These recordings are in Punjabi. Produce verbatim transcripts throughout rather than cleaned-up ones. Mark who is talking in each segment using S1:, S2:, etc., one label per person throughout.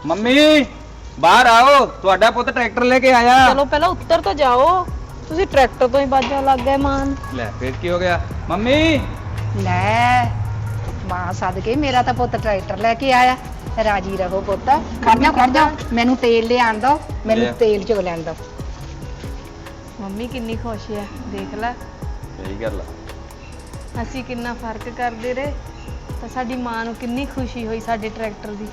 S1: ਮੰਮੀ ਬਾਹਰ ਆਓ, ਤੁਹਾਡਾ ਪੁੱਤ ਟਰੈਕਟਰ ਲੈ ਕੇ ਆਇਆ।
S2: ਚਲੋ ਪਹਿਲਾਂ ਉੱਤਰ ਤਾਂ ਜਾਓ, ਤੁਸੀਂ ਟਰੈਕਟਰ ਤੋਂ ਹੀ ਬਾਜਾਂ ਲੱਗ ਗਏ ਮਾਨ।
S1: ਲੈ ਫਿਰ ਕੀ ਹੋ ਗਿਆ ਮੰਮੀ?
S3: ਲੈ ਮਾਂ ਸਦਕੇ ਮੇਰਾ ਤਾਂ ਪੁੱਤ ਟਰੈਕਟਰ ਲੈ ਕੇ ਆਇਆ। ਰਾਜੀ ਰਹੋ ਪੁੱਤ। ਖੜ ਜਾ ਖੜ ਜਾ, ਮੈਨੂੰ ਤੇਲ ਲਿਆਣ ਦੋ, ਮੈਨੂੰ ਤੇਲ ਚੋ ਲੈਣ ਦੋ।
S2: ਮੰਮੀ ਕਿੰਨੀ ਖੁਸ਼ ਹੈ, ਦੇਖ ਲੈ।
S1: ਸਹੀ ਗੱਲ ਆ।
S2: ਅਸੀਂ ਕਿੰਨਾ ਫਰਕ ਕਰਦੇ ਰਹੇ ਤਾਂ ਸਾਡੀ ਮਾਂ ਨੂੰ ਕਿੰਨੀ ਖੁਸ਼ੀ ਹੋਈ ਸਾਡੇ ਟਰੈਕਟਰ ਦੀ।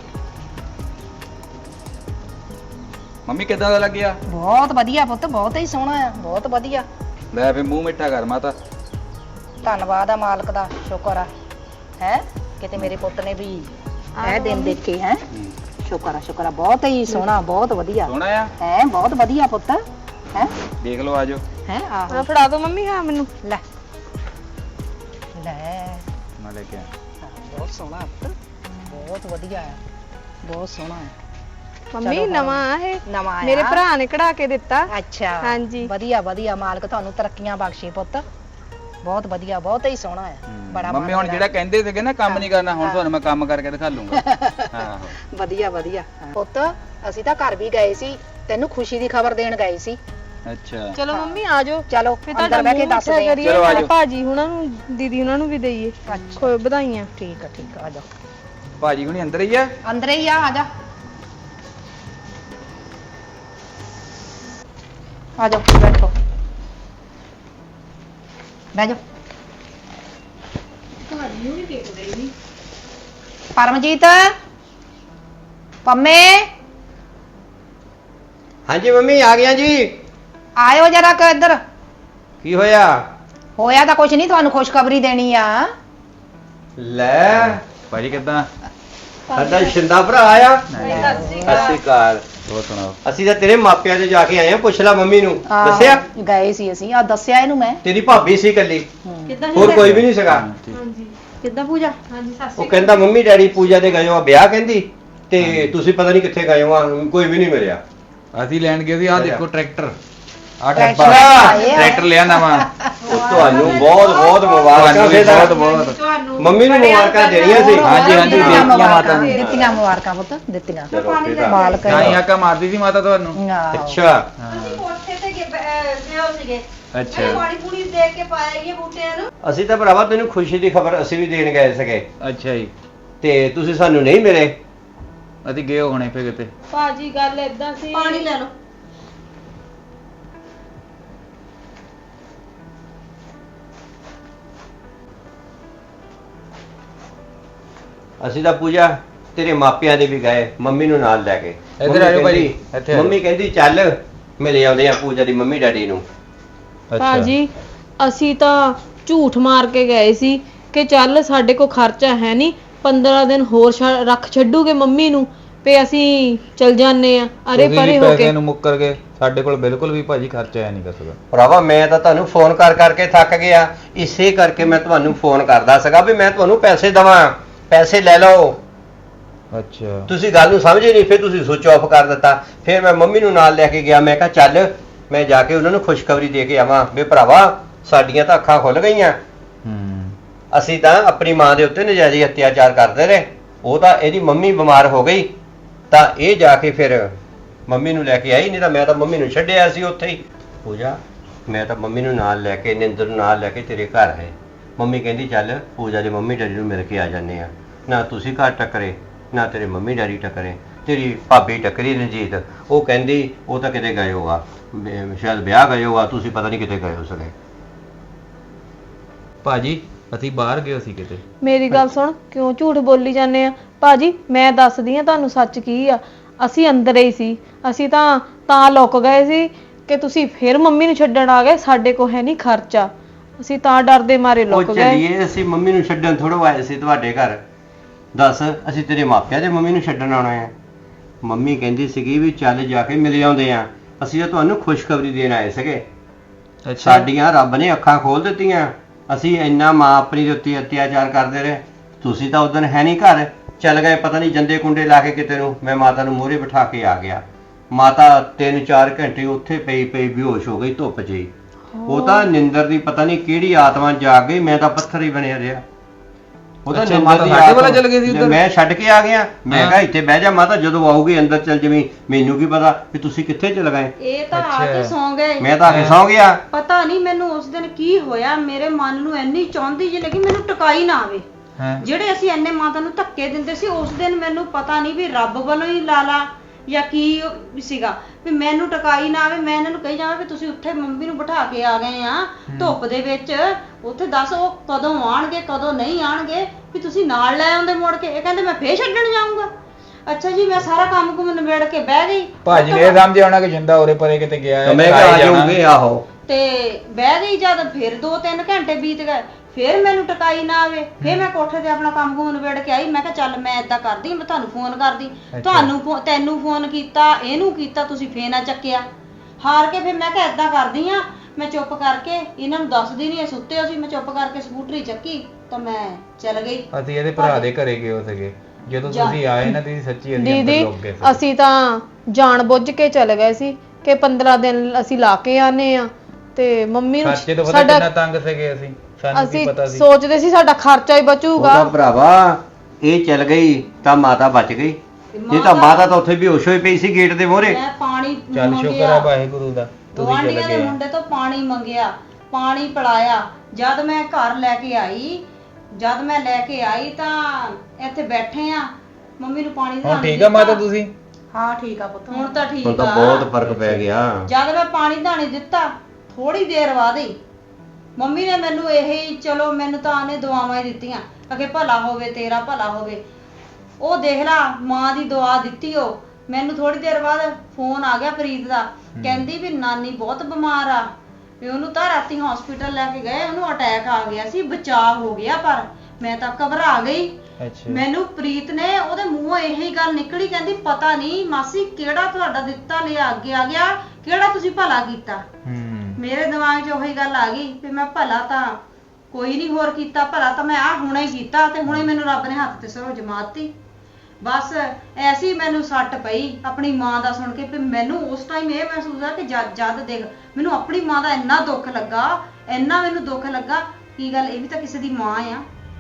S1: ਮੰਮੀ ਕਿੱਦਾਂ ਦਾ ਲੱਗਿਆ?
S3: ਬਹੁਤ ਵਧੀਆ ਪੁੱਤ, ਬਹੁਤ ਹੀ ਸੋਹਣਾ ਆ, ਬਹੁਤ ਵਧੀਆ।
S1: ਲੈ ਫਿਰ ਮੂੰਹ ਮਿੱਠਾ ਕਰ ਮਾਤਾ।
S3: ਧੰਨਵਾਦ ਆ ਮਾਲਕ ਦਾ, ਸ਼ੁਕਰ ਆ ਹੈ ਕਿਤੇ ਮੇਰੇ ਪੁੱਤ ਨੇ ਵੀ ਇਹ ਦਿਨ ਦੇਖੇ ਹੈ। ਸ਼ੁਕਰ ਆ ਸ਼ੁਕਰ ਆ, ਬਹੁਤ ਹੀ ਸੋਹਣਾ, ਬਹੁਤ ਵਧੀਆ
S1: ਸੋਹਣਾ ਆ
S3: ਹੈ, ਬਹੁਤ ਵਧੀਆ ਪੁੱਤ ਹੈ।
S1: ਦੇਖ ਲਓ ਆਜੋ।
S3: ਹੈ ਆਹੋ
S2: ਆ ਫੜਾ ਦੋ ਮੰਮੀ। ਹਾਂ ਮੈਨੂੰ
S3: ਲੈ ਲੈ
S1: ਮੈਂ ਲੈ ਕੇ ਆਇਆ।
S3: ਬਹੁਤ ਸੋਹਣਾ ਪੁੱਤ, ਬਹੁਤ ਵਧੀਆ ਹੈ, ਬਹੁਤ ਸੋਹਣਾ ਹੈ।
S2: ਮੰਮੀ
S3: ਚਲੋ
S2: ਨਵਾਂ ਆ ਇਹ,
S3: ਨਵਾਂ ਆਇਆ।
S2: ਮੇਰੇ ਭਰਾ ਨੇ ਕਢਾ ਕੇ ਦਿੱਤਾ।
S3: ਅੱਛਾ
S2: ਹਾਂਜੀ।
S3: ਵਧੀਆ ਵਧੀਆ, ਮਾਲਕ ਤੁਹਾਨੂੰ ਤਰੱਕੀਆਂ ਬਖਸ਼ੇ ਪੁੱਤ। ਬਹੁਤ ਵਧੀਆ, ਬਹੁਤ ਹੀ ਸੋਹਣਾ ਹੈ। ਬੜਾ
S1: ਮੰਮੀ ਹੁਣ ਜਿਹੜਾ ਕਹਿੰਦੇ ਸੀਗੇ ਨਾ ਕੰਮ ਨਹੀਂ ਕਰਨਾ, ਹੁਣ ਤੁਹਾਨੂੰ ਮੈਂ ਕੰਮ ਕਰਕੇ ਦਿਖਾ ਲੂੰਗਾ। ਆਹੋ
S3: ਵਧੀਆ ਵਧੀਆ ਪੁੱਤ। ਅਸੀਂ ਤਾਂ ਘਰ ਵੀ ਗਏ ਸੀ, ਤੈਨੂੰ ਖੁਸ਼ੀ ਦੀ ਖਬਰ ਦੇਣ ਗਏ ਸੀ।
S1: ਅੱਛਾ
S2: ਚਲੋ ਮੰਮੀ ਆ ਜਾਓ,
S3: ਚਲੋ
S2: ਫਿਰ
S3: ਅੰਦਰ ਬਹਿ ਕੇ ਦੱਸਦੇ ਆ।
S2: ਕਰੀਏ।
S1: ਚਲੋ ਆ ਜਾਓ।
S2: ਭਾਜੀ ਹੁਣਾਂ ਨੂੰ, ਦੀਦੀ ਹੁਣਾਂ ਨੂੰ ਵੀ ਦਈਏ ਕੋਈ ਵਧਾਈਆਂ।
S3: ਠੀਕ ਆ ਠੀਕ ਆ, ਆ ਜਾ।
S1: ਭਾਜੀ ਹੁਣੀ ਅੰਦਰ ਹੀ ਆ?
S3: ਅੰਦਰ ਹੀ ਆ, ਆ ਜਾ ਆ ਜਾਓ, ਬੈਠੋ ਬਹਿ ਜਾਓ।
S2: ਤੁਹਾਨੂੰ ਵੀ ਦੇਖਦੇ ਨਹੀਂ।
S3: ਪਰਮਜੀਤ, ਪੰਮੇ,
S4: ਹਾਂਜੀ ਮੰਮੀ ਆ ਗਿਆ ਜੀ।
S3: ਆਇਓ ਜਰਾ ਕ ਇੱਧਰ।
S4: ਕੀ ਹੋਇਆ?
S3: ਹੋਇਆ ਤਾਂ ਕੁਛ ਨਹੀਂ, ਤੁਹਾਨੂੰ ਖੁਸ਼ਖਬਰੀ ਦੇਣੀ ਆ।
S4: ਲੈ
S1: ਭਾਜੀ ਕਿੱਦਾਂ?
S4: ਸਾਡਾ ਸ਼ਿੰਦਾ ਭਰਾ ਆਇਆ। ਸਤਿ ਸ਼੍ਰੀ ਅਕਾਲ।
S1: ਹੋਰ ਸੁਣਾਓ।
S4: ਅਸੀਂ ਤਾਂ ਤੇਰੇ ਮਾਪਿਆਂ ਦੇ ਜਾ ਕੇ ਆਏ ਆ, ਪੁੱਛ ਲੈ ਮੰਮੀ ਨੂੰ।
S3: ਆਹੋ,
S4: ਦੱਸਿਆ?
S3: ਗਏ ਸੀ ਅਸੀਂ, ਆ ਦੱਸਿਆ ਇਹਨੂੰ ਮੈਂ।
S4: ਤੇਰੀ ਭਾਬੀ ਸੀ ਇਕੱਲੀ,
S2: ਕਿੱਦਾਂ
S4: ਹੋਰ ਕੋਈ ਵੀ ਨਹੀਂ ਸੀਗਾ।
S2: ਹਾਂਜੀ
S3: ਕਿੱਦਾਂ ਪੂਜਾ?
S2: ਹਾਂਜੀ ਸਤਿ
S4: ਉਹ
S2: ਸ਼੍ਰੀ
S4: ਕਹਿੰਦਾ ਮੰਮੀ ਡੈਡੀ ਪੂਜਾ ਦੇ ਗਏ ਹੋ ਆ ਵਿਆਹ, ਕਹਿੰਦੀ ਤੇ ਤੁਸੀਂ ਪਤਾ ਨਹੀਂ ਕਿੱਥੇ ਗਏ ਹੋ ਆ, ਕੋਈ ਵੀ ਨਹੀਂ ਮਿਲਿਆ।
S1: ਅਸੀਂ ਲੈਣ ਗਏ ਸੀ। ਆਹ ਦੇਖੋ ਟਰੈਕਟਰ, ਆਹ
S3: ਟਰੈਕਟਰ
S1: ਟਰੈਕਟਰ
S3: ਆਏ ਆ।
S1: ਟਰੈਕਟਰ ਲਿਆ ਨਵਾਂ।
S4: ਉਹ ਤੁਹਾਨੂੰ ਬਹੁਤ ਬਹੁਤ ਮੁਬਾਰਕਾਂ।
S1: ਤੁਹਾਨੂੰ ਵੀ
S4: ਫਿਰ
S1: ਬਹੁਤ ਬਹੁਤ।
S2: ਤੁਹਾਨੂੰ
S4: ਮੰਮੀ ਨੂੰ ਮੁਬਾਰਕਾਂ ਦੇਣੀਆਂ ਸੀ।
S1: ਹਾਂਜੀ ਹਾਂਜੀ
S3: ਦਿੱਤੀਆਂ
S1: ਦੇਤੀਆਂ ਮਾਤਾ ਨੂੰ।
S3: ਦਿੱਤੀਆਂ ਮੁਬਾਰਕਾਂ ਪੁੱਤ, ਦਿੱਤੀਆਂ।
S4: ਚਲੋ ਫਿਰ ਤਾਂ।
S3: ਮਾਲਕ
S1: ਤਾਂ ਹੀ ਆਕਾ ਮਾਰਦੀ ਸੀ ਮਾਤਾ ਤੁਹਾਨੂੰ।
S3: ਆਹੋ।
S4: ਅੱਛਾ
S5: ਕੋਠੇ ਤੇ ਗਿਓ ਸੀਗੇ,
S1: ਅੱਛਾ
S5: ਪਾਣੀ ਪੂਣੀ ਦੇ ਕੇ ਪਾਏਗੀ ਬੂਟਿਆਂ ਨੂੰ।
S4: ਅਸੀਂ ਤਾਂ ਭਰਾਵਾ ਤੈਨੂੰ ਖੁਸ਼ੀ ਦੀ ਖਬਰ ਅਸੀਂ ਵੀ ਦੇਣ ਗਏ ਸੀਗੇ,
S1: ਅੱਛਾ ਜੀ।
S4: ਤੇ ਤੁਸੀਂ ਸਾਨੂੰ ਨਹੀਂ ਮਿਲੇ।
S1: ਅਸੀਂ ਗਏ ਹੋਣੇ ਫੇ ਕਿਤੇ।
S2: ਭਾਜੀ ਗੱਲ ਏਦਾਂ ਸੀ।
S5: ਪਾਣੀ ਲੈ ਲਓ।
S4: ਅਸੀਂ ਤਾਂ ਪੂਜਾ ਤੇਰੇ ਮਾਪਿਆਂ ਦੇ ਵੀ ਗਏ, ਮੰਮੀ ਨੂੰ ਨਾਲ ਲੈ ਕੇ।
S1: ਇੱਧਰ
S4: ਮੰਮੀ
S1: ਆ ਜਾਓ ਭਾਜੀ,
S4: ਕਹਿੰਦੀ-
S1: ਇੱਥੇ ਆ ਜਾਓ।
S4: ਮੰਮੀ ਕਹਿੰਦੀ ਚੱਲ ਮਿਲ ਆਉਂਦੇ ਆ ਪੂਜਾ ਦੀ ਮੰਮੀ ਡੈਡੀ ਨੂੰ।
S2: ਭਾਜੀ ਅਸੀਂ ਤਾਂ ਝੂਠ ਮਾਰ ਕੇ ਗਏ ਸੀ ਕਿ ਚੱਲ ਸਾਡੇ ਕੋਲ ਖਰਚਾ ਹੈ ਨਹੀਂ, ਪੰਦਰਾਂ ਦਿਨ ਹੋਰ ਛੱਡ- ਰੱਖ ਛੱਡੂਗੇ ਮੰਮੀ ਨੂੰ ਤੇ ਅਸੀਂ ਚਲ ਜਾਂਦੇ ਆ ਅਰੇ ਪਰੇ ਹੋ ਕੇ।
S1: ਨੂੰ ਮੁੱਕਰ ਗਏ, ਸਾਡੇ ਕੋਲ ਬਿਲਕੁਲ ਵੀ ਭਾਜੀ ਖਰਚਾ ਹੈ ਨਹੀਂ ਕਸੂਗਾ।
S4: ਭਰਾਵਾ ਮੈਂ ਤਾਂ ਤੁਹਾਨੂੰ ਫੋਨ ਕਰ ਕਰਕੇ ਥੱਕ ਗਿਆ, ਇਸੇ ਕਰਕੇ ਮੈਂ ਤੁਹਾਨੂੰ ਫੋਨ ਕਰਦਾ ਸੀਗਾ ਵੀ ਮੈਂ ਤੁਹਾਨੂੰ ਪੈਸੇ ਦਵਾਂ, ਪੈਸੇ ਲੈ ਲਓ।
S1: ਅੱਛਾ
S4: ਤੁਸੀਂ ਗੱਲ ਨੂੰ ਸਮਝੇ ਨਹੀਂ, ਫਿਰ ਤੁਸੀਂ ਸੁਚ ਆਫ ਕਰ ਦਿੱਤਾ। ਫਿਰ ਮੈਂ ਮੰਮੀ ਨੂੰ ਨਾਲ ਲੈ ਕੇ ਗਿਆ, ਮੈਂ ਕਿਹਾ ਚੱਲ ਮੈਂ ਜਾ ਕੇ ਉਹਨਾਂ ਨੂੰ ਖੁਸ਼ਖਬਰੀ ਦੇ ਕੇ ਆਵਾਂ ਵੀ ਭਰਾਵਾ ਸਾਡੀਆਂ ਤਾਂ ਅੱਖਾਂ ਖੁੱਲ ਗਈਆਂ।
S1: ਹੂੰ
S4: ਅਸੀਂ ਤਾਂ ਆਪਣੀ ਮਾਂ ਦੇ ਉੱਤੇ ਨਜਾਇਜ਼ ਅਤਿਆਚਾਰ ਕਰਦੇ ਰਹੇ। ਉਹ ਤਾਂ ਇਹਦੀ ਮੰਮੀ ਬਿਮਾਰ ਹੋ ਗਈ ਤਾਂ ਇਹ ਜਾ ਕੇ ਫਿਰ ਮੰਮੀ ਨੂੰ ਲੈ ਕੇ ਆਈ, ਨਹੀਂ ਤਾਂ ਮੈਂ ਤਾਂ ਮੰਮੀ ਨੂੰ ਛੱਡਿਆ ਸੀ ਉੱਥੇ ਹੀ। ਪੂਜਾ ਮੈਂ ਤਾਂ ਮੰਮੀ ਨੂੰ ਨਾਲ ਲੈ ਕੇ, ਨਿੰਦਰ ਨੂੰ ਨਾਲ ਲੈ ਕੇ ਤੇਰੇ ਘਰ ਆਏ। ਮੰਮੀ ਕਹਿੰਦੀ ਚੱਲ ਪੂਜਾ ਦੇ ਮੰਮੀ ਡੈਡੀ ਨੂੰ ਮਿਲ ਕੇ ਆ ਜਾਂਦੇ ਆ। ਨਾ ਤੁਸੀਂ ਘਰ ਟੱਕਰੇ, ਨਾ ਤੇਰੇ ਮੰਮੀ ਡੈਡੀ ਟੱਕਰੇ। ਤੇਰੀ ਭਾਬੀ ਟੱਕਰੀ ਰਣਜੀਤ, ਉਹ ਕਹਿੰਦੀ ਉਹ ਤਾਂ ਕਿਤੇ ਗਏ ਹੋਗਾ, ਸ਼ਾਇਦ ਵਿਆਹ ਗਏ ਹੋਗਾ, ਤੁਸੀਂ ਪਤਾ ਨਹੀਂ ਕਿਤੇ ਗਏ ਹੋ ਸਕੇ।
S1: ਭਾਜੀ ਅਸੀਂ ਬਾਹਰ ਗਏ ਸੀ ਕਿਤੇ।
S2: ਮੇਰੀ ਗੱਲ ਸੁਣ, ਕਿਉਂ ਝੂਠ ਬੋਲੀ ਜਾਂਦੇ ਆ? ਭਾਜੀ ਮੈਂ ਦੱਸਦੀ ਆ ਤੁਹਾਨੂੰ ਸੱਚ ਕੀ ਆ। ਅਸੀਂ ਅੰਦਰ ਹੀ ਸੀ, ਅਸੀਂ ਤਾਂ ਤਾਂ ਲੁੱਕ ਗਏ ਸੀ ਕਿ ਤੁਸੀਂ ਫਿਰ ਮੰਮੀ ਨੂੰ ਛੱਡਣ ਆ ਗਏ। ਸਾਡੇ ਕੋਲ ਹੈ ਨਹੀਂ ਖਰਚਾ, ਅਸੀਂ ਤਾਂ ਡਰਦੇ ਮਾਰੇ
S4: ਉਹ
S2: ਲੁੱਕ ਗਏ।
S4: ਚੱਲੀਏ, ਅਸੀਂ ਮੰਮੀ ਨੂੰ ਛੱਡਣ ਥੋੜ੍ਹਾ ਆਏ ਸੀ ਤੁਹਾਡੇ ਘਰ। ਦੱਸ ਅਸੀਂ ਤੇਰੇ ਮਾਪਿਆਂ ਦੇ ਮੰਮੀ ਨੂੰ ਛੱਡਣ ਆਉਣਾ ਹੈ? ਮੰਮੀ ਕਹਿੰਦੀ ਸੀਗੀ ਵੀ ਚੱਲ ਜਾ ਕੇ ਮਿਲ ਆਉਂਦੇ ਆ। ਅਸੀਂ ਤਾਂ ਤੁਹਾਨੂੰ ਖੁਸ਼ਖਬਰੀ ਦੇਣ ਆਏ ਸੀਗੇ। ਸਾਡੀਆਂ ਰੱਬ ਨੇ ਅੱਖਾਂ ਖੋਲ ਦਿੱਤੀਆਂ। ਅਸੀਂ ਇੰਨਾ ਮਾਂ ਆਪਣੀ ਦੇ ਉੱਤੇ ਅਤਿਆਚਾਰ ਕਰਦੇ ਰਹੇ, ਤੁਸੀਂ ਤਾਂ ਉਦੋਂ ਹੈ ਨਹੀਂ ਘਰ, ਚੱਲ ਗਏ ਪਤਾ ਨਹੀਂ ਜੰਦੇ ਕੁੰਡੇ ਲਾ ਕੇ ਕਿਤੇ ਨੂੰ। ਮੈਂ ਮਾਤਾ ਨੂੰ ਮੂਹਰੇ ਬਿਠਾ ਕੇ ਆ ਗਿਆ। ਮਾਤਾ ਤਿੰਨ ਚਾਰ ਘੰਟੇ ਉੱਥੇ ਪਈ ਪਈ ਬੇਹੋਸ਼ ਹੋ ਗਈ ਧੁੱਪ 'ਚ ਹੀ। ਉਹ ਤਾਂ ਨਿੰਦਰ ਦੀ ਪਤਾ ਨਹੀਂ ਕਿਹੜੀ ਆਤਮਾ ਜਾਗ ਗਈ, ਮੈਂ ਤਾਂ ਪੱਥਰ ਹੀ ਬਣਿਆ ਰਿਹਾ। ਉਹ ਤਾਂ
S1: ਅੱਛਾ,
S4: ਨਿੰਦਰ
S1: ਮਾਤਾ
S4: ਦੀ
S1: ਸਾਡੇ
S4: ਆਦਤ-
S1: ਵਾਲਾ ਚਲ ਗਏ ਸੀ ਉੱਧਰ?
S4: ਮੈਂ ਛੱਡ ਕੇ ਆ ਗਿਆ, ਮੈਂ
S1: ਹਾਂ।
S4: ਕਿਹਾ ਇੱਥੇ ਬਹਿ ਜਾ ਮਾਤਾ, ਜਦੋਂ ਆਊਗੀ ਅੰਦਰ ਚੱਲ ਜਵੀਂ, ਮੈਨੂੰ ਕੀ ਪਤਾ ਵੀ ਤੁਸੀਂ ਕਿੱਥੇ ਚਲ ਗਏ।
S5: ਇਹ ਤਾਂ ਆ ਕੇ
S1: ਅੱਛਾ।
S5: ਸੌਂ ਗਏ
S4: ਮੈਂ ਤਾਂ ਆ ਕੇ ਸੌਂ ਗਿਆ।
S5: ਪਤਾ ਨਹੀਂ ਮੈਨੂੰ ਉਸ ਦਿਨ ਕੀ ਹੋਇਆ, ਮੇਰੇ ਮਨ ਨੂੰ ਇੰਨੀ ਚਾਹੁੰਦੀ ਜਿਹੀ ਲੱਗੀ ਮੈਨੂੰ ਟਿਕਾਈ ਨਾ ਆਵੇ।
S1: ਹਾਂ
S5: ਜਿਹੜੇ ਅਸੀਂ ਐਨੇ ਮਾਤਾ ਨੂੰ ਧੱਕੇ ਦਿੰਦੇ ਸੀ, ਉਸ ਦਿਨ ਮੈਨੂੰ ਪਤਾ ਨਹੀਂ ਵੀ ਰੱਬ ਵੱਲੋਂ ਹੀ ਲਾਲਾ ਜਾਂ ਕੀ ਸੀਗਾ ਵੀ ਮੈਨੂੰ ਟਿਕਾਈ ਨਾ ਆਵੇ। ਮੈਂ ਇਹਨਾਂ ਨੂੰ ਕਹੀ ਜਾਵਾਂ ਵੀ ਤੁਸੀਂ ਉੱਥੇ ਮੰਮੀ ਨੂੰ ਬਿਠਾ ਕੇ ਆ ਗਏ ਆ ਧੁੱਪ ਦੇ ਵਿੱਚ, ਉੱਥੇ ਦੱਸ ਉਹ ਕਦੋਂ ਆਣਗੇ ਕਦੋਂ ਨਹੀਂ ਆਣਗੇ, ਵੀ ਤੁਸੀਂ ਨਾਲ ਲੈ ਆਉਂਦੇ ਮੁੜ ਕੇ। ਇਹ ਕਹਿੰਦੇ ਮੈਂ ਫੇਰ ਛੱਡਣ ਜਾਊਂਗਾ। ਅੱਛਾ ਜੀ, ਮੈਂ ਸਾਰਾ ਕੰਮ ਕੁਮ ਨਿਬੇੜ ਕੇ ਬਹਿ ਗਈ।
S1: ਭਾਜੀ ਨੇ ਇਹ ਸਮਝਿਆ ਹੋਣਾ ਕਿ ਜਿੰਦਾ ਉਰੇ ਪਰੇ ਕਿਤੇ ਗਿਆ ਹੈ,
S4: ਮੈਂ ਕਿਹਾ ਆ ਜਾਊਂਗੇ, ਆਹੋ।
S5: ਤੇ ਬਹਿ ਗਈ ਜਦ, ਫਿਰ ਦੋ ਤਿੰਨ ਘੰਟੇ ਬੀਤ ਗਏ, ਫਿਰ ਮੈਨੂੰ ਟਿਕਾਈ ਨਾ ਆਵੇ। ਫਿਰ ਮੈਂ ਕੋਠੇ ਤੇ ਆਪਣਾ ਕੰਮ ਕੁਮ ਨਿਬੇੜ ਕੇ ਆਈ। ਮੈਂ ਕਿਹਾ ਚੱਲ ਮੈਂ ਏਦਾਂ ਕਰਦੀ, ਮੈਂ ਤੁਹਾਨੂੰ ਫੋਨ ਕਰਦੀ, ਤੁਹਾਨੂੰ ਫੋ- ਤੈਨੂੰ ਫੋਨ ਕੀਤਾ, ਇਹਨੂੰ ਕੀਤਾ, ਤੁਸੀਂ ਫੇਰ ਨਾ ਚੱਕਿਆ। ਹਾਰ ਕੇ ਫਿਰ ਮੈਂ ਕਿਹਾ ਏਦਾਂ ਕਰਦੀ ਆ, ਮੈਂ ਚੁੱਪ ਕਰਕੇ ਇਹਨਾਂ ਨੂੰ ਦੱਸਦੀ ਨਹੀਂ, ਇਹ ਸੁੱਤੇ ਹੋ ਸੀ, ਮੈਂ ਚੁੱਪ ਕਰਕੇ ਸਕੂਟਰੀ ਚੱਕੀ ਤਾਂ ਮੈਂ ਚੱਲ ਗਈ।
S1: ਅਸੀਂ ਇਹਦੇ ਭਰਾ ਦੇ ਘਰੇ ਗਏ ਹੋ ਸੀਗੇ, ਜਦੋਂ ਤੁਸੀਂ ਆਏ ਨਾ ਤੁਸੀਂ ਸੱਚੀ ਅਸੀਂ ਅੰਦਰ
S2: ਦੀਦੀ
S1: ਲੁੱਕ ਗਏ ਸੀ।
S2: ਅਸੀਂ ਤਾਂ ਜਾਣ ਬੁੱਝ ਕੇ ਚਲੇ ਗਏ ਸੀ ਕਿ ਪੰਦਰਾਂ ਦਿਨ ਅਸੀਂ ਲਾ ਕੇ ਆਨੇ ਆ, ਤੇ ਮੰਮੀ ਨੂੰ
S1: ਸੱਚੇ ਤੋਂ ਪਤਾ
S2: ਸਾਡਾ
S1: ਕਿੰਨਾ ਤੰਗ ਸੀਗੇ ਅਸੀਂ, ਸਾਨੂੰ ਕੀ
S2: ਅਸੀਂ
S1: ਪਤਾ ਸੀ।
S2: ਸੋਚਦੇ ਸੀ ਸਾਡਾ ਖਰਚਾ ਹੀ
S4: ਉਹ
S2: ਬਚੂਗਾ।
S4: ਤਾਂ ਭਰਾਵਾ ਇਹ ਚਲ ਗਈ ਤਾਂ ਮਾਤਾ ਬਚ ਗਈ, ਨਹੀਂ ਤਾਂ ਮਾਤਾ ਤਾਂ ਉੱਥੇ ਬੇਹੋਸ਼ ਹੋਈ ਪਈ ਸੀ ਗੇਟ ਦੇ ਮੂਹਰੇ।
S5: ਮੈਂ ਪਾਣੀ
S1: ਚੱਲ ਸ਼ੁਕਰ ਆ ਵਾਹਿਗੁਰੂ ਦਾ ਤੁਸੀਂ ਚਲੇ
S5: ਗੁਆਂਢੀਆਂ ਦੇ
S1: ਗਏ।
S5: ਮੁੰਡੇ ਤੋਂ ਪਾਣੀ ਮੰਗਿਆ, ਪਾਣੀ ਪਿਲਾਇਆ। ਜਦ ਮੈਂ ਘਰ ਲੈ ਕੇ ਆਈ, ਜਦ ਮੈਂ ਲੈ ਕੇ ਆਈ ਤਾਂ ਇੱਥੇ ਬੈਠੇ ਆ, ਮੰਮੀ ਨੂੰ ਪਾਣੀ
S1: ਹੁਣ ਠੀਕ ਆ ਮਾਤਾ ਤੁਸੀਂ?
S3: ਹਾਂ ਠੀਕ ਆ ਪੁੱਤ।
S5: ਹੁਣ ਤਾਂ ਠੀਕ
S4: ਹੁਣ ਤਾਂ
S5: ਆ।
S4: ਬਹੁਤ ਫਰਕ ਪੈ ਗਿਆ।
S5: ਜਦ ਮੈਂ ਪਾਣੀ ਧਾਣੀ ਦਿੱਤਾ, ਥੋੜੀ ਦੇਰ ਬਾਅਦ ਹੀ ਮੰਮੀ ਨੇ ਮੈਨੂੰ ਇਹ ਚਲੋ ਮੈਨੂੰ ਤਾਂ ਆਨੇ ਦੁਆਵਾਂ ਹੀ ਦਿੱਤੀਆਂ, ਅਗੇ ਭਲਾ ਹੋਵੇ ਤੇਰਾ ਭਲਾ ਹੋਵੇ। ਉਹ ਦੇਖ ਲਾ ਮਾਂ ਦੀ ਦੁਆ ਦਿੱਤੀ। ਉਹ ਮੈਨੂੰ ਥੋੜੀ ਦੇਰ ਬਾਅਦ ਫੋਨ ਆ ਗਿਆ ਪ੍ਰੀਤ ਦਾ, ਕਹਿੰਦੀ ਵੀ ਨਾਨੀ ਬਹੁਤ ਬਿਮਾਰ ਆ, ਵੀ ਉਹਨੂੰ ਤਾਂ ਰਾਤੀ ਹਸਪੀਟਲ ਲੈ ਕੇ ਗਏ, ਉਹਨੂੰ ਅਟੈਕ ਆ ਗਿਆ ਸੀ, ਬਚਾਅ ਹੋ ਗਿਆ। ਪਰ ਮੈਂ ਤਾਂ ਘਬਰਾ ਗਈ।
S1: ਅੱਛਾ
S5: ਮੈਨੂੰ ਪ੍ਰੀਤ ਨੇ ਉਹਦੇ ਮੂੰਹੋਂ ਇਹੀ ਗੱਲ ਨਿਕਲੀ, ਕਹਿੰਦੀ ਪਤਾ ਨਹੀਂ ਮਾਸੀ ਕਿਹੜਾ ਤੁਹਾਡਾ ਦਿੱਤਾ ਲਿਆ ਅੱਗੇ ਆ ਗਿਆ, ਕਿਹੜਾ ਤੁਸੀਂ ਭਲਾ ਕੀਤਾ।
S1: ਹੂੰ
S5: ਮੇਰੇ ਦਿਮਾਗ 'ਚ ਉਹੀ ਗੱਲ ਆ ਗਈ ਵੀ ਮੈਂ ਭਲਾ ਤਾਂ ਕੋਈ ਨਹੀਂ ਹੋਰ ਕੀਤਾ, ਭਲਾ ਤਾਂ ਮੈਂ ਆ ਹੁਣੇ ਕੀਤਾ, ਤੇ ਹੁਣੇ ਮੈਨੂੰ ਰੱਬ ਨੇ ਹੱਥ ਤੇ ਸਰੋਂ ਜਮਾਤੀ। ਬਸ ਐਸੀ ਮੈਨੂੰ ਸੱਟ ਪਈ ਆਪਣੀ ਮਾਂ ਦਾ ਸੁਣ ਕੇ। ਵੀ ਮੈਨੂੰ ਉਸ ਟਾਈਮ ਇਹ ਮਹਿਸੂਸ ਆ ਕਿ ਜਦ ਜਦ ਦੇਖ ਮੈਨੂੰ ਆਪਣੀ ਮਾਂ ਦਾ ਇੰਨਾ ਦੁੱਖ ਲੱਗਾ, ਇੰਨਾ ਮੈਨੂੰ ਦੁੱਖ ਲੱਗਾ। ਕੀ ਗੱਲ, ਇਹ ਵੀ ਤਾਂ ਕਿਸੇ ਦੀ ਮਾਂ ਆ।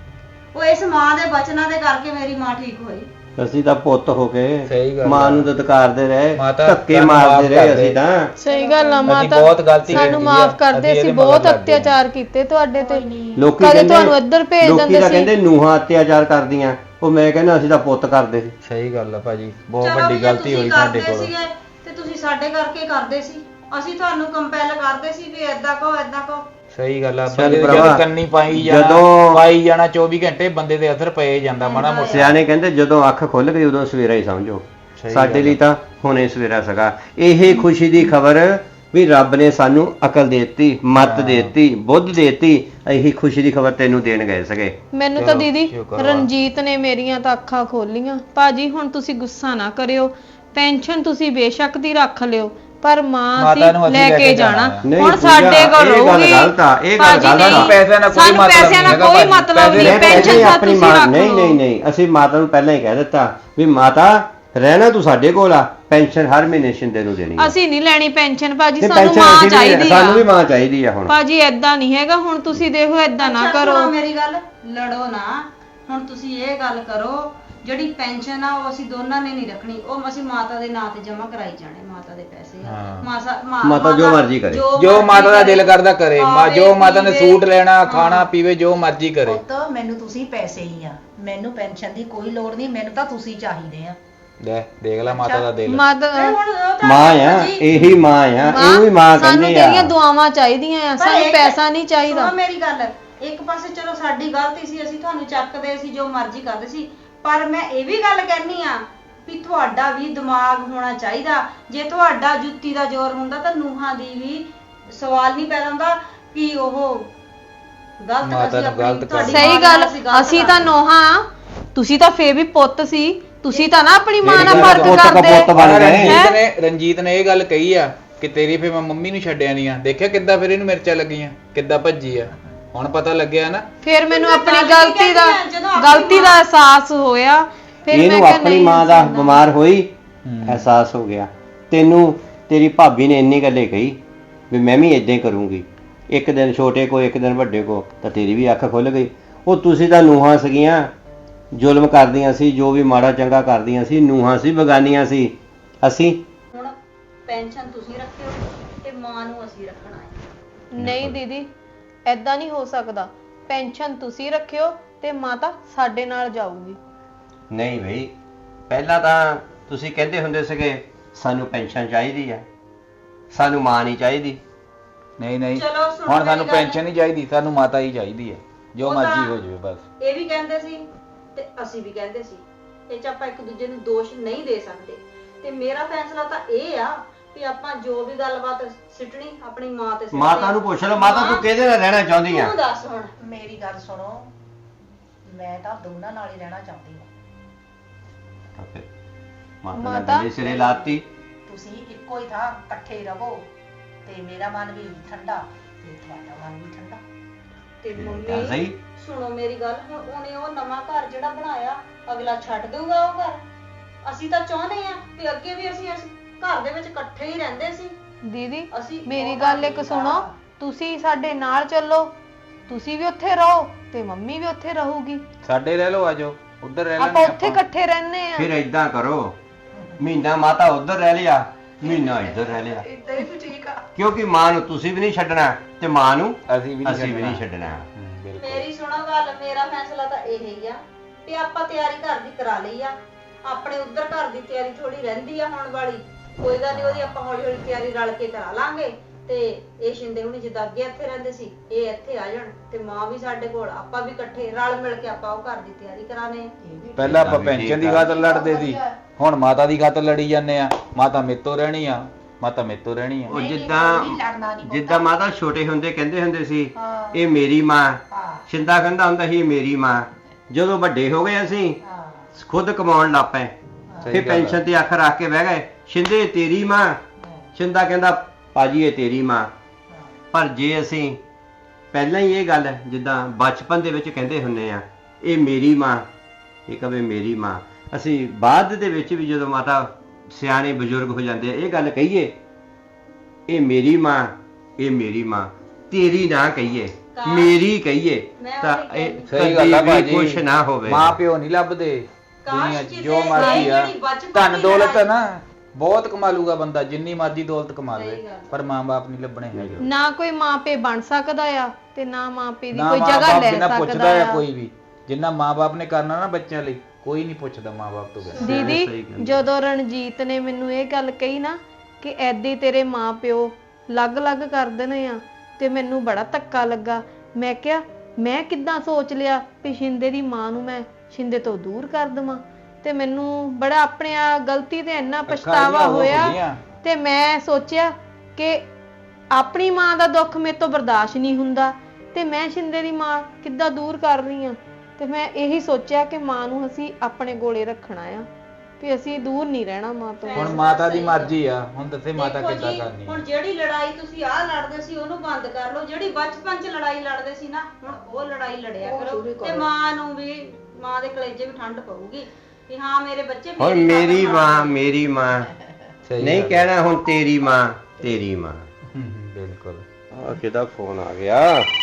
S5: ਉਹ ਇਸ ਮਾਂ ਦੇ ਬਚਨਾਂ ਦੇ ਕਰਕੇ ਮੇਰੀ ਮਾਂ ਠੀਕ ਹੋਈ।
S4: ਅਸੀਂ ਤਾਂ ਪੁੱਤ ਹੋ
S1: ਸਹੀ
S4: ਕੇ
S1: ਗੱਲ
S4: ਮਾਂ
S1: ਆ।
S4: ਨੂੰ ਦਤਕਾਰਦੇ ਰਹੇ,
S1: ਮਾਤਾ
S4: ਧੱਕੇ
S1: ਸਾਨੂੰ
S4: ਮਾਰਦੇ
S1: ਮਾਫ਼
S4: ਰਹੇ
S1: ਕਰ ਦੇ।
S4: ਅਸੀਂ ਤਾਂ।
S2: ਸਹੀ ਗੱਲ ਆ
S1: ਅਸੀਂ
S2: ਮਾਤਾ,
S1: ਬਹੁਤ ਗਲਤੀ
S2: ਸਾਨੂੰ
S1: ਕੀਤੀ ਆ,
S2: ਮਾਫ ਕਰ ਦੇ,
S1: ਅਸੀਂ
S2: ਅਸੀਂ
S1: ਇਹਦੇ
S2: ਬਹੁਤ
S1: ਮਗਰ ਲੱਗ ਗਏ।
S2: ਅਤਿਆਚਾਰ ਕੀਤੇ ਤੁਹਾਡੇ ਤੇ।
S4: ਲੋਕੀ
S2: ਕਦੇ
S4: ਕਹਿੰਦੇ
S2: ਤੁਹਾਨੂੰ ਇੱਧਰ ਭੇਜ
S4: ਲੋਕੀ
S2: ਦਿੰਦੇ
S4: ਤਾਂ
S2: ਸੀ।
S4: ਕਹਿੰਦੇ ਨੂੰਹਾਂ ਅਤਿਆਚਾਰ ਕਰਦੀਆਂ, ਉਹ ਮੈਂ ਕਹਿੰਦਾ ਅਸੀਂ ਤਾਂ ਪੁੱਤ ਕਰਦੇ ਸੀ।
S1: ਸਹੀ ਗੱਲ ਆ ਭਾਜੀ, ਬਹੁਤ
S5: ਚਲੋ ਵੀ
S1: ਵੱਡੀ
S5: ਜੇ
S1: ਗਲਤੀ
S5: ਤੁਸੀਂ
S1: ਹੋਈ ਸਾਡੇ
S5: ਕਰਦੇ
S1: ਕੋਲ।
S5: ਸੀਗੇ ਤੇ ਤੁਸੀਂ ਸਾਡੇ ਕਰਕੇ ਕਰਦੇ ਸੀ। ਅਸੀਂ ਤੁਹਾਨੂੰ ਕੰਪੈਲ ਕਰਦੇ ਸੀ ਵੀ ਏਦਾਂ ਕਹੋ ਏਦਾਂ ਕਹੋ।
S1: ਸਹੀ ਗੱਲ ਆ,
S4: ਚੱਲ
S1: ਬੰਦੇ ਦੇ
S4: ਭਰਾਵਾ,
S1: ਜਦੋਂ ਕੰਨੀ ਪਾਈ ਜਾਣਾ
S4: ਜਦੋਂ-
S1: ਪਾਈ ਜਾਣਾ ਚੌਵੀ ਘੰਟੇ ਬੰਦੇ ਦੇ ਅਸਰ ਪਏ ਜਾਂਦਾ ਮਾੜਾ ਮੋਟਾ।
S4: ਸਿਆਣੇ ਕਹਿੰਦੇ ਜਦੋਂ ਅੱਖ ਖੁੱਲ ਗਈ ਉਦੋਂ ਸਵੇਰਾ ਹੀ ਸਮਝੋ।
S1: ਸਹੀ
S4: ਸਾਡੇ
S1: ਗੱਲ
S4: ਲਈ ਤਾਂ ਹੁਣੇ ਸਵੇਰਾ ਸੀਗਾ। ਇਹ ਖੁਸ਼ੀ ਦੀ ਖਬਰ ਵੀ ਰੱਬ ਨੇ ਸਾਨੂੰ ਅਕਲ ਦੇਤੀ, ਮੱਤ
S1: ਹਾਂ।
S4: ਦੇਤੀ, ਬੁੱਧ ਦੇਤੀ। ਇਹੀ ਖੁਸ਼ੀ ਦੀ ਖਬਰ ਤੈਨੂੰ ਦੇਣ ਗਏ ਸੀਗੇ।
S2: ਮੈਨੂੰ ਤਾਂ
S1: ਚਲੋ,
S2: ਦੀਦੀ
S1: ਸ਼ੁਕਰ ਵਾ।
S2: ਰਣਜੀਤ ਨੇ ਮੇਰੀਆਂ ਤਾਂ ਅੱਖਾਂ ਖੋਲੀਆਂ। ਭਾਜੀ ਹੁਣ ਤੁਸੀਂ ਗੁੱਸਾ ਨਾ ਕਰਿਓ, ਪੈਨਸ਼ਨ ਤੁਸੀਂ ਬੇਸ਼ੱਕ ਦੀ ਰੱਖ ਲਿਓ, ਪਰ ਮਾਂ
S1: ਮਾਤਾ ਨੂੰ
S2: ਅਸੀਂ
S1: ਅਸੀਂ
S2: ਲੈ ਕੇ ਜਾਣਾ।
S4: ਨਹੀਂ,
S2: ਹੁਣ
S4: ਪੂਜਾ,
S2: ਸਾਡੇ ਕੋਲ
S4: ਇਹ ਗੱਲ
S2: ਰਹੂਗੀ।
S4: ਗਲਤ ਆ, ਇਹ ਗੱਲ
S2: ਭਾਜੀ
S4: ਗਲਤ ਆ।
S2: ਨਹੀਂ,
S1: ਪੈਸਿਆਂ ਨਾਲ ਕੋਈ
S2: ਸਾਨੂੰ
S1: ਮਤਲਬ
S2: ਪੈਸਿਆਂ ਨਾਲ
S1: ਨਹੀਂ
S2: ਕੋਈ
S1: ਹੈਗਾ
S2: ਮਤਲਬ
S1: ਭਾਜੀ।
S2: ਨਹੀਂ,
S4: ਮੈਂ
S2: ਪੈਨਸ਼ਨ
S4: ਪਹਿਲਾਂ ਹੀ
S2: ਤਾਂ
S4: ਆਪਣੀ
S2: ਤੁਸੀਂ
S4: ਮਾਂ
S2: ਰੱਖ
S4: ਨਹੀਂ
S2: ਲਓ।
S4: ਨਹੀਂ ਨਹੀਂ ਅਸੀਂ ਮਾਤਾ ਨੂੰ ਪਹਿਲਾਂ ਹੀ ਕਹਿ ਦਿੱਤਾ ਵੀ ਮਾਤਾ ਰਹਿਣਾ ਤੂੰ ਸਾਡੇ ਕੋਲ ਆ, ਪੈਨਸ਼ਨ ਹਰ ਮਹੀਨੇ ਸ਼ਿੰਦੇ ਨੂੰ ਦੇਣੀ ਆ।
S2: ਅਸੀਂ ਨਹੀਂ ਲੈਣੀ ਪੈਨਸ਼ਨ ਭਾਜੀ,
S4: ਤੇ
S2: ਸਾਨੂੰ
S4: ਪੈਨਸ਼ਨ
S2: ਮਾਂ
S4: ਅਸੀਂ ਵੀ-
S2: ਚਾਹੀਦੀ ਆ।
S4: ਸਾਨੂੰ ਵੀ ਮਾਂ ਚਾਹੀਦੀ ਆ ਹੁਣ।
S2: ਭਾਜੀ ਏਦਾਂ ਨਹੀਂ ਹੈਗਾ, ਹੁਣ ਤੁਸੀਂ ਦੇਖੋ ਏਦਾਂ ਨਾ
S5: ਅੱਛਾ,
S2: ਕਰੋ।
S5: ਸੁਣੋ ਮੇਰੀ ਗੱਲ, ਲੜੋ ਨਾ। ਹੁਣ ਤੁਸੀਂ ਇਹ ਗੱਲ ਕਰੋ, ਜਿਹੜੀ ਪੈਨਸ਼ਨ ਆ ਉਹ ਅਸੀਂ ਦੋਨਾਂ ਨੇ ਨਹੀਂ ਰੱਖਣੀ, ਉਹ ਅਸੀਂ ਮਾਤਾ ਦੇ ਨਾਂ ਤੇ ਜਮ੍ਹਾਂ ਕਰਾਈ ਜਾਣੇ। ਮਾਤਾ ਦੇ ਪੈਸੇ ਆ।
S1: ਹਾਂ।
S5: ਮਾਸਾ ਮਾ-
S4: ਮਾਤਾ ਜੋ ਮਰਜ਼ੀ ਕਰੇ।
S1: ਜੋ ਮਾਤਾ ਦਾ ਦਿਲ ਕਰਦਾ ਕਰੇ, ਮਾ
S5: ਖਾਵੇ,
S1: ਜੋ ਮਾਤਾ ਨੇ
S5: ਪੀਵੇ।
S1: ਸੂਟ ਲੈਣਾ, ਖਾਣਾ ਪੀਵੇ, ਜੋ ਮਰਜ਼ੀ ਕਰੇ।
S3: ਪੁੱਤ ਮੈਨੂੰ ਤੁਸੀਂ ਪੈਸੇ ਹੀ ਆ, ਮੈਨੂੰ ਪੈਨਸ਼ਨ ਦੀ ਕੋਈ ਲੋੜ ਨਹੀਂ, ਮੈਨੂੰ ਤਾਂ ਤੁਸੀਂ ਚਾਹੀਦੇ ਆ।
S1: ਲੈ ਦੇਖ ਲੈ ਮਾਤਾ ਦਾ ਦਿਲ।
S2: ਮਦ
S5: ਤੇ ਹੁਣ ਉਹ ਤਾਂ
S4: ਮਾਂ ਆ,
S5: ਜੀ,
S4: ਇਹੀ ਮਾਂ ਆ, ਇਹਨੂੰ ਵੀ ਮਾਂ
S2: ਸਾਨੂੰ
S4: ਕਹਿੰਦੇ
S2: ਤੇਰੀਆਂ
S4: ਆ।
S2: ਦੁਆਵਾਂ ਚਾਹੀਦੀਆਂ ਆ,
S5: ਪਰ
S2: ਸਾਨੂੰ
S5: ਇੱਕ-
S2: ਪੈਸਾ ਨਹੀਂ ਚਾਹੀਦਾ।
S5: ਸੁਣੋ ਮੇਰੀ ਗੱਲ, ਇੱਕ ਪਾਸੇ ਚਲੋ ਸਾਡੀ ਗਲਤੀ ਸੀ, ਅਸੀਂ ਤੁਹਾਨੂੰ ਚੱਕਦੇ ਸੀ, ਜੋ ਮਰਜ਼ੀ ਕਰਦੇ ਸੀ, ਪਰ ਮੈਂ ਇਹ ਵੀ ਗੱਲ ਕਹਿਨੀ ਆ ਵੀ ਤੁਹਾਡਾ ਵੀ ਦਿਮਾਗ ਹੋਣਾ ਚਾਹੀਦਾ। ਜੇ ਤੁਹਾਡਾ ਜੁੱਤੀ ਦਾ ਜ਼ੋਰ ਹੁੰਦਾ ਤਾਂ ਨੂਹਾਂ ਦੀ ਵੀ ਸਵਾਲ ਨਹੀਂ ਪੈਦਾ ਹੁੰਦਾ ਕਿ ਉਹ ਗਲਤ
S1: ਮਾਤਾ
S5: ਅਸੀਂ
S1: ਨੂੰ
S5: ਆਪਣੀ-
S1: ਗਲਤ
S5: ਤੁਹਾਡੀ
S2: ਸਹੀ
S5: ਮਾਂ
S2: ਗੱਲ,
S5: ਨਾਲ ਗਲਤ
S2: ਅਸੀਂ ਤਾਂ
S5: ਕਰਦੇ।
S2: ਨੋਹਾਂ, ਤੁਸੀਂ ਤਾਂ ਫੇਰ ਵੀ ਪੁੱਤ ਸੀ, ਤੁਸੀਂ ਤਾਂ ਨਾ ਆਪਣੀ ਮਾਂ ਨਾਲ
S4: ਮੇਰੀ
S2: ਫਰਕ
S4: ਪੁੱਤ ਦਾ
S2: ਕਰਦੇ।
S4: ਪੁੱਤ ਬਣ ਗਏ।
S1: ਰਣਜੀਤ ਨੇ ਰਣਜੀਤ ਨੇ ਇਹ ਗੱਲ ਕਹੀ ਆ ਕਿ ਤੇਰੀ ਫੇ ਮੈਂ ਮੰਮੀ ਨੂੰ ਛੱਡਿਆ ਨਹੀਂ ਆ। ਦੇਖਿਆ ਕਿੱਦਾਂ ਫਿਰ ਇਹਨੂੰ ਮਿਰਚਾਂ ਲੱਗੀਆਂ, ਕਿੱਦਾਂ ਭੱਜੀ ਆ। ਹੁਣ ਪਤਾ ਲੱਗਿਆ ਨਾ।
S2: ਫਿਰ ਮੈਨੂੰ
S5: ਮੈਂ
S2: ਆਪਣੀ
S5: ਗੱਲ
S2: ਗਲਤੀ ਦਾ
S5: ਕਹਿੰਦੀ ਆ, ਜਦੋਂ ਆਪਣੀ
S2: ਗਲਤੀ ਦਾ
S5: ਮਾਂ-
S2: ਅਹਿਸਾਸ ਹੋਇਆ। ਫਿਰ ਮੈਂ
S4: ਇਹਨੂੰ
S2: ਕਿਹਾ
S4: ਆਪਣੀ
S2: ਨਹੀਂ
S4: ਮਾਂ ਦਾ
S2: ਹੁੰਦਾ।
S4: ਬਿਮਾਰ ਹੋਈ
S1: ਹੂੰ।
S4: ਅਹਿਸਾਸ ਹੋ ਗਿਆ। ਤੈਨੂੰ ਤੇਰੀ ਭਾਬੀ ਨੇ ਇੰਨੀ ਗੱਲੇ ਕਹੀ ਵੀ ਮੈਂ ਵੀ ਇਦਾਂ ਹੀ ਕਰੂੰਗੀ। ਇੱਕ ਦਿਨ ਛੋਟੇ ਕੋ, ਇੱਕ ਦਿਨ ਵੱਡੇ ਕੋ, ਤਾਂ ਤੇਰੀ ਵੀ ਅੱਖ ਖੁੱਲ ਗਈ। ਉਹ ਤੁਸੀਂ ਤਾਂ ਨੂੰਹਾਂ ਸੀਗੀਆਂ, ਜ਼ੁਲਮ ਕਰਦੀਆਂ ਸੀ, ਜੋ ਵੀ ਮਾੜਾ ਚੰਗਾ ਕਰਦੀਆਂ ਸੀ, ਨੂੰਹਾਂ ਸੀ, ਬਗਾਨੀਆਂ ਸੀ। ਅਸੀਂ
S5: ਹੁਣ ਪੈਨਸ਼ਨ ਤੁਸੀਂ ਰੱਖਿਓ ਤੇ ਮਾਂ ਨੂੰ ਅਸੀਂ ਰੱਖਣਾ ਹੈ।
S2: ਨਹੀਂ ਦੀਦੀ, ਐਦਾਂ ਨਹੀਂ ਹੋ ਸਕਦਾ। ਪੈਨਸ਼ਨ ਤੁਸੀਂ ਰੱਖਿਓ ਤੇ ਮਾਤਾ ਸਾਡੇ ਨਾਲ ਜਾਊਗੀ।
S4: ਨਹੀਂ ਬਈ, ਪਹਿਲਾਂ ਤਾਂ ਤੁਸੀਂ ਕਹਿੰਦੇ ਹੁੰਦੇ ਸੀਗੇ ਸਾਨੂੰ ਪੈਨਸ਼ਨ ਚਾਹੀਦੀ ਆ, ਸਾਨੂੰ ਮਾਂ ਨਹੀਂ ਚਾਹੀਦੀ।
S1: ਨਹੀਂ ਨਹੀਂ,
S5: ਚਲੋ ਸੁਣੋ
S1: ਹੁਣ
S5: ਮੇਰੀ
S1: ਸਾਨੂੰ
S5: ਗੱਲ।
S1: ਪੈਨਸ਼ਨ ਨਹੀਂ ਚਾਹੀਦੀ, ਸਾਨੂੰ ਮਾਤਾ ਹੀ ਚਾਹੀਦੀ ਹੈ, ਜੋ
S5: ਉਹ ਤਾਂ
S1: ਮਰਜ਼ੀ ਹੋ ਜਾਵੇ ਬਸ।
S5: ਇਹ ਵੀ ਕਹਿੰਦੇ ਸੀ ਤੇ ਅਸੀਂ ਵੀ ਕਹਿੰਦੇ ਸੀ, ਇਹ ਚ ਆਪਾਂ ਇੱਕ ਦੂਜੇ ਨੂੰ ਦੋਸ਼ ਨਹੀਂ ਦੇ ਸਕਦੇ। ਤੇ ਮੇਰਾ ਫੈਸਲਾ ਤਾਂ ਇਹ ਆ ਵੀ ਆਪਾਂ ਜੋ ਵੀ ਗੱਲਬਾਤ ਸਿੱਟਣੀ ਆਪਣੀ ਮਾਂ ਤੇ ਸਿੱਟਣੀ।
S4: ਮਾਤਾ ਨੂੰ ਪੁੱਛ ਲਓ, ਮਾਤਾ ਤੂੰ ਕਿਹਦੇ ਨਾਲ ਰਹਿਣਾ ਚਾਹੁੰਦੀ ਆ?
S5: ਤੂੰ ਦੱਸ ਹੁਣ।
S3: ਮੇਰੀ ਗੱਲ ਸੁਣੋ, ਮੈਂ ਤਾਂ ਦੋਨਾਂ ਨਾਲ ਹੀ ਰਹਿਣਾ ਚਾਹੁੰਦੀ ਹਾਂ।
S4: ਤਾਂ ਫਿਰ ਮਾਤਾ ਨੇ
S2: ਮਾਤਾ?
S4: ਗਲੇ ਸਿਰੇ ਲਾਤੀ।
S3: ਤੁਸੀਂ ਇੱਕੋ ਹੀ ਥਾਂ ਇਕੱਠੇ ਰਹੋ ਤੇ ਮੇਰਾ ਮਨ ਵੀ ਠੰਡਾ ਤੇ ਤੁਹਾਡਾ ਮਨ ਵੀ ਠੰਡਾ।
S5: ਤੇ
S4: ਤਾਂ
S5: ਮੰਮੀ
S4: ਸਹੀ।
S5: ਸੁਣੋ ਮੇਰੀ ਗੱਲ, ਹੁਣ ਉਹਨੇ ਉਹ ਨਵਾਂ ਘਰ ਜਿਹੜਾ ਬਣਾਇਆ ਅਗਲਾ ਛੱਡ ਦਊਗਾ ਉਹ ਘਰ? ਅਸੀਂ ਤਾਂ ਚਾਹੁੰਦੇ ਆ ਕਿ ਅੱਗੇ ਵੀ ਅਸੀਂ ਇਸ ਘਰ ਦੇ ਵਿੱਚ ਇਕੱਠੇ ਹੀ ਰਹਿੰਦੇ ਸੀ।
S2: ਦੀਦੀ
S5: ਅਸੀਂ
S2: ਮੇਰੀ
S5: ਉਹ
S2: ਗੱਲ
S5: ਘਰ
S2: ਇੱਕ
S5: ਨਹੀਂ
S2: ਸੁਣੋ,
S5: ਜਾਣਾ।
S2: ਤੁਸੀਂ ਸਾਡੇ ਨਾਲ ਚੱਲੋ, ਤੁਸੀਂ ਵੀ ਉੱਥੇ ਰਹੋ ਤੇ ਮੰਮੀ ਵੀ ਉੱਥੇ ਰਹੂਗੀ।
S1: ਸਾਡੇ ਰਹਿ ਲਓ, ਆਜੋ ਉੱਧਰ ਰਹਿ
S2: ਆਪਾਂ
S1: ਲੈਣੇ
S2: ਉੱਥੇ ਇਕੱਠੇ ਰਹਿੰਦੇ ਆ।
S4: ਫਿਰ ਏਦਾਂ ਕਰੋ, ਮਹੀਨਾ ਮਾਤਾ ਉੱਧਰ ਰਹਿ ਲਿਆ, ਮਹੀਨਾ ਇੱਧਰ ਰਹਿ ਲਿਆ,
S3: ਇਦਾਂ ਹੀ ਠੀਕ ਆ।
S4: ਕਿਉਂਕਿ ਮਾਂ ਨੂੰ ਤੁਸੀਂ ਵੀ ਨਹੀਂ ਛੱਡਣਾ ਤੇ ਮਾਂ ਨੂੰ
S1: ਅਸੀਂ ਵੀ ਨਹੀਂ
S4: ਅਸੀਂ ਵੀ ਨਹੀਂ
S1: ਛੱਡਣਾ।
S4: ਛੱਡਣਾ।
S1: ਹਮ, ਬਿਲਕੁਲ।
S5: ਮੇਰੀ ਸੁਣੋ ਗੱਲ, ਮੇਰਾ ਫੈਸਲਾ ਤਾਂ ਇਹ ਹੀ ਆ ਵੀ ਆਪਾਂ ਤਿਆਰੀ ਘਰ ਦੀ ਕਰਾ ਲਈ ਆ। ਆਪਣੇ ਉੱਧਰ ਘਰ ਦੀ ਤਿਆਰੀ ਥੋੜੀ ਰਹਿੰਦੀ ਆ ਹੋਣ ਵਾਲੀ, ਕੋਈ ਗੱਲ ਨਹੀਂ, ਉਹਦੀ ਆਪਾਂ ਹੌਲੀ ਹੌਲੀ ਤਿਆਰੀ ਰਲ ਕੇ ਕਰਾ ਲਾਂਗੇ। ਤੇ ਇਹ ਸ਼ਿੰਦੇ ਹੁਣੀ ਜਿੱਦਾਂ ਅੱਗੇ ਇੱਥੇ ਰਹਿੰਦੇ ਸੀ, ਇਹ ਇੱਥੇ ਆ ਜਾਣ ਤੇ ਮਾਂ ਵੀ ਸਾਡੇ ਕੋਲ, ਆਪਾਂ ਵੀ ਇਕੱਠੇ ਰਲ ਮਿਲ ਕੇ ਆਪਾਂ ਉਹ ਘਰ ਦੀ ਤਿਆਰੀ ਕਰਾਣੇ।
S1: ਪਹਿਲਾਂ ਆਪਾਂ ਪੈਨਸ਼ਨ ਦੀ ਖਾਤਰ ਲੜਦੇ ਸੀ, ਹੁਣ ਮਾਤਾ ਦੀ ਖਾਤਰ ਲੜੀ ਜਾਂਦੇ ਆ। ਮਾਤਾ ਮੇਤੋਂ ਰਹਿਣੀ ਆ, ਮਾਤਾ ਮੇਤੋਂ ਰਹਿਣੀ ਆ।
S4: ਉਹ
S3: ਨਹੀਂ, ਨਹੀਂ,
S4: ਜਿੱਦਾਂ
S3: ਕੋਈ ਲੜਨਾ ਨਹੀਂ
S4: ਜਿੱਦਾਂ ਮਾਤਾ ਛੋਟੇ ਹੁੰਦੇ ਕਹਿੰਦੇ ਹੁੰਦੇ ਸੀ
S3: ਹਾਂ।
S4: ਇਹ ਮੇਰੀ ਮਾਂ,
S3: ਹਾਂ
S4: ਸ਼ਿੰਦਾ ਕਹਿੰਦਾ ਹੁੰਦਾ ਸੀ ਇਹ ਮੇਰੀ ਮਾਂ। ਜਦੋਂ ਵੱਡੇ ਹੋ ਗਏ ਅਸੀਂ
S3: ਹਾਂ
S4: ਖੁਦ ਕਮਾਉਣ ਲੱਗ ਪਏ,
S1: ਸਹੀ
S4: ਫਿਰ
S1: ਗੱਲ ਆ।
S4: ਪੈਨਸ਼ਨ ਤੇ ਅੱਖ ਰੱਖ ਕੇ ਬਹਿ ਗਏ। ਸ਼ਿੰਦੇ ਤੇਰੀ ਮਾਂ, ਸ਼ਿੰਦਾ ਕਹਿੰਦਾ ਭਾਜੀ ਇਹ ਤੇਰੀ ਮਾਂ। ਪਰ ਜੇ ਅਸੀਂ ਪਹਿਲਾਂ ਹੀ ਇਹ ਗੱਲ ਜਿੱਦਾਂ ਬਚਪਨ ਦੇ ਵਿੱਚ ਕਹਿੰਦੇ ਹੁੰਨੇ ਆ ਇਹ ਮੇਰੀ ਮਾਂ, ਇਹ ਕਵੇ ਮੇਰੀ ਮਾਂ, ਅਸੀਂ ਬਾਅਦ ਦੇ ਵਿੱਚ ਵੀ ਜਦੋਂ ਮਾਤਾ ਸਿਆਣੇ ਬਜ਼ੁਰਗ ਹੋ ਜਾਂਦੇ ਆ ਇਹ ਗੱਲ ਕਹੀਏ ਇਹ ਮੇਰੀ ਮਾਂ, ਇਹ ਮੇਰੀ ਮਾਂ, ਤੇਰੀ ਨਾ ਕਹੀਏ, ਮੇਰੀ ਕਹੀਏ ਤਾਂ ਇਹ
S1: ਸਹੀ ਗੱਲ ਆ
S4: ਕਦੀ ਵੀ
S1: ਭਾਜੀ,
S4: ਖੁਸ਼ ਨਾ ਹੋਵੇ।
S1: ਮਾਂ ਪਿਓ ਨਹੀਂ ਲੱਭਦੇ ਦੁਨੀਆ 'ਚ,
S5: ਕਿਸੇ
S1: ਜੋ ਮਰਜ਼ੀ ਆ।
S5: ਜਿਹੜੀ ਬਚਪਨ
S1: ਧਨ
S5: ਦੀ
S1: ਦੌਲਤ
S5: ਲੜਾਈ-
S1: ਨਾ ਬਹੁਤ ਕਮਾ ਲੂਗਾ ਬੰਦਾ, ਜਿੰਨੀ ਮਰਜ਼ੀ ਦੌਲਤ ਕਮਾ
S5: ਸਹੀ
S1: ਲਵੇ,
S5: ਗੱਲ।
S1: ਪਰ ਮਾਂ-ਬਾਪ ਨਹੀਂ ਲੱਭਣੇ ਹੈਗੇ।
S2: ਨਾ ਕੋਈ ਮਾਪੇ ਬਣ ਸਕਦਾ ਆ ਤੇ ਨਾ ਮਾਪੇ ਦੀ
S1: ਨਾ
S2: ਕੋਈ ਜਗ੍ਹਾ
S1: ਮਾਂ-ਬਾਪ
S2: ਲੈ
S1: ਬਿਨਾਂ
S2: ਸਕਦਾ
S1: ਪੁੱਛਦਾ ਆ
S2: ਆ।
S1: ਕੋਈ ਵੀ, ਜਿੰਨਾ ਮਾਂ-ਬਾਪ ਨੇ ਕਰਨਾ ਨਾ ਬੱਚਿਆਂ ਲਈ, ਕੋਈ ਨਹੀਂ ਪੁੱਛਦਾ ਮਾਂ-ਬਾਪ ਤੋਂ ਬਿਨਾਂ।
S2: ਦੀਦੀ
S4: ਸਹੀ ਗੱਲ।
S2: ਜਦੋਂ ਰਣਜੀਤ ਨੇ ਮੈਨੂੰ ਇਹ ਗੱਲ ਕਹੀ ਨਾ ਕਿ ਐਦੀ ਤੇਰੇ ਮਾਪਿਓ ਅਲੱਗ-ਅਲੱਗ ਕਰ ਦੇਣੇ ਆ, ਤੇ ਮੈਨੂੰ ਬੜਾ ਧੱਕਾ ਲੱਗਾ। ਮੈਂ ਕਿਹਾ ਮੈਂ ਕਿੱਦਾਂ ਸੋਚ ਲਿਆ ਵੀ ਸ਼ਿੰਦੇ ਦੀ ਮਾਂ ਨੂੰ ਮੈਂ ਸ਼ਿੰਦੇ ਤੋਂ ਦੂਰ ਕਰ ਦੇਵਾਂ, ਤੇ ਮੈਨੂੰ ਬੜਾ ਆਪਣੇ ਆ ਗਲਤੀ ਤੇ ਇੰਨਾ ਪਛਤਾਵਾ ਹੋਇਆ। ਤੇ ਮੈਂ ਸੋਚਿਆ ਕਿ ਆਪਣੀ ਮਾਂ ਦਾ ਦੁੱਖ ਮੇਰੇ ਤੋਂ ਬਰਦਾਸ਼ਤ ਨਹੀਂ ਹੁੰਦਾ ਤੇ ਮੈਂ ਸ਼ਿੰਦੇ ਦੀ ਮਾਂ ਕਿੱਦਾਂ ਦੂਰ ਕਰ ਰਹੀ ਆ। ਤੇ ਮੈਂ ਇਹੀ ਸੋਚਿਆ ਕਿ ਮਾਂ ਨੂੰ ਅਸੀਂ ਆਪਣੇ ਕੋਲੇ ਰੱਖਣਾ ਆ, ਵੀ ਅਸੀਂ ਦੂਰ ਨਹੀਂ ਰਹਿਣਾ ਮਾਂ ਤੋਂ।
S1: ਹੁਣ ਮਾਤਾ ਦੀ ਮਰਜ਼ੀ ਆ, ਹੁਣ ਦੱਸੇ ਮਾਤਾ
S5: ਦੇਖੋ
S1: ਕਿੱਦਾਂ
S5: ਜੀ,
S1: ਕਰਨੀ
S5: ਹੁਣ
S1: ਆ।
S5: ਜਿਹੜੀ ਲੜਾਈ ਤੁਸੀਂ ਆਹ ਲੜਦੇ ਸੀ ਉਹਨੂੰ ਬੰਦ ਕਰ ਲਓ, ਜਿਹੜੀ ਬਚਪਨ 'ਚ ਲੜਾਈ ਲੜਦੇ ਸੀ ਨਾ ਹੁਣ ਉਹ ਲੜਾਈ ਲੜਿਆ
S3: ਉਹ
S5: ਕਰੋ।
S3: ਸ਼ੁਰੂ ਕਰੋ।
S5: ਤੇ ਮਾਂ ਨੂੰ ਵੀ, ਮਾਂ ਦੇ ਕਲੇਜੇ ਵੀ ਠੰਡ ਪਊਗੀ ਵੀ ਹਾਂ ਮੇਰੇ ਬੱਚੇ
S4: ਹੁਣ
S5: ਮੇਰੀ
S4: ਮੇਰੀ
S5: ਖਾਤਰ
S4: ਮਾਂ,
S5: ਲੜਦੇ।
S4: ਮੇਰੀ ਮਾਂ
S1: ਸਹੀ
S4: ਨਹੀਂ
S1: ਗੱਲ ਆ।
S4: ਕਹਿਣਾ ਹੁਣ ਤੇਰੀ ਮਾਂ, ਤੇਰੀ ਮਾਂ।
S1: ਹਮ, ਹਮ, ਬਿਲਕੁਲ।
S4: ਆ ਕਿਹਦਾ ਫੋਨ ਆ ਗਿਆ?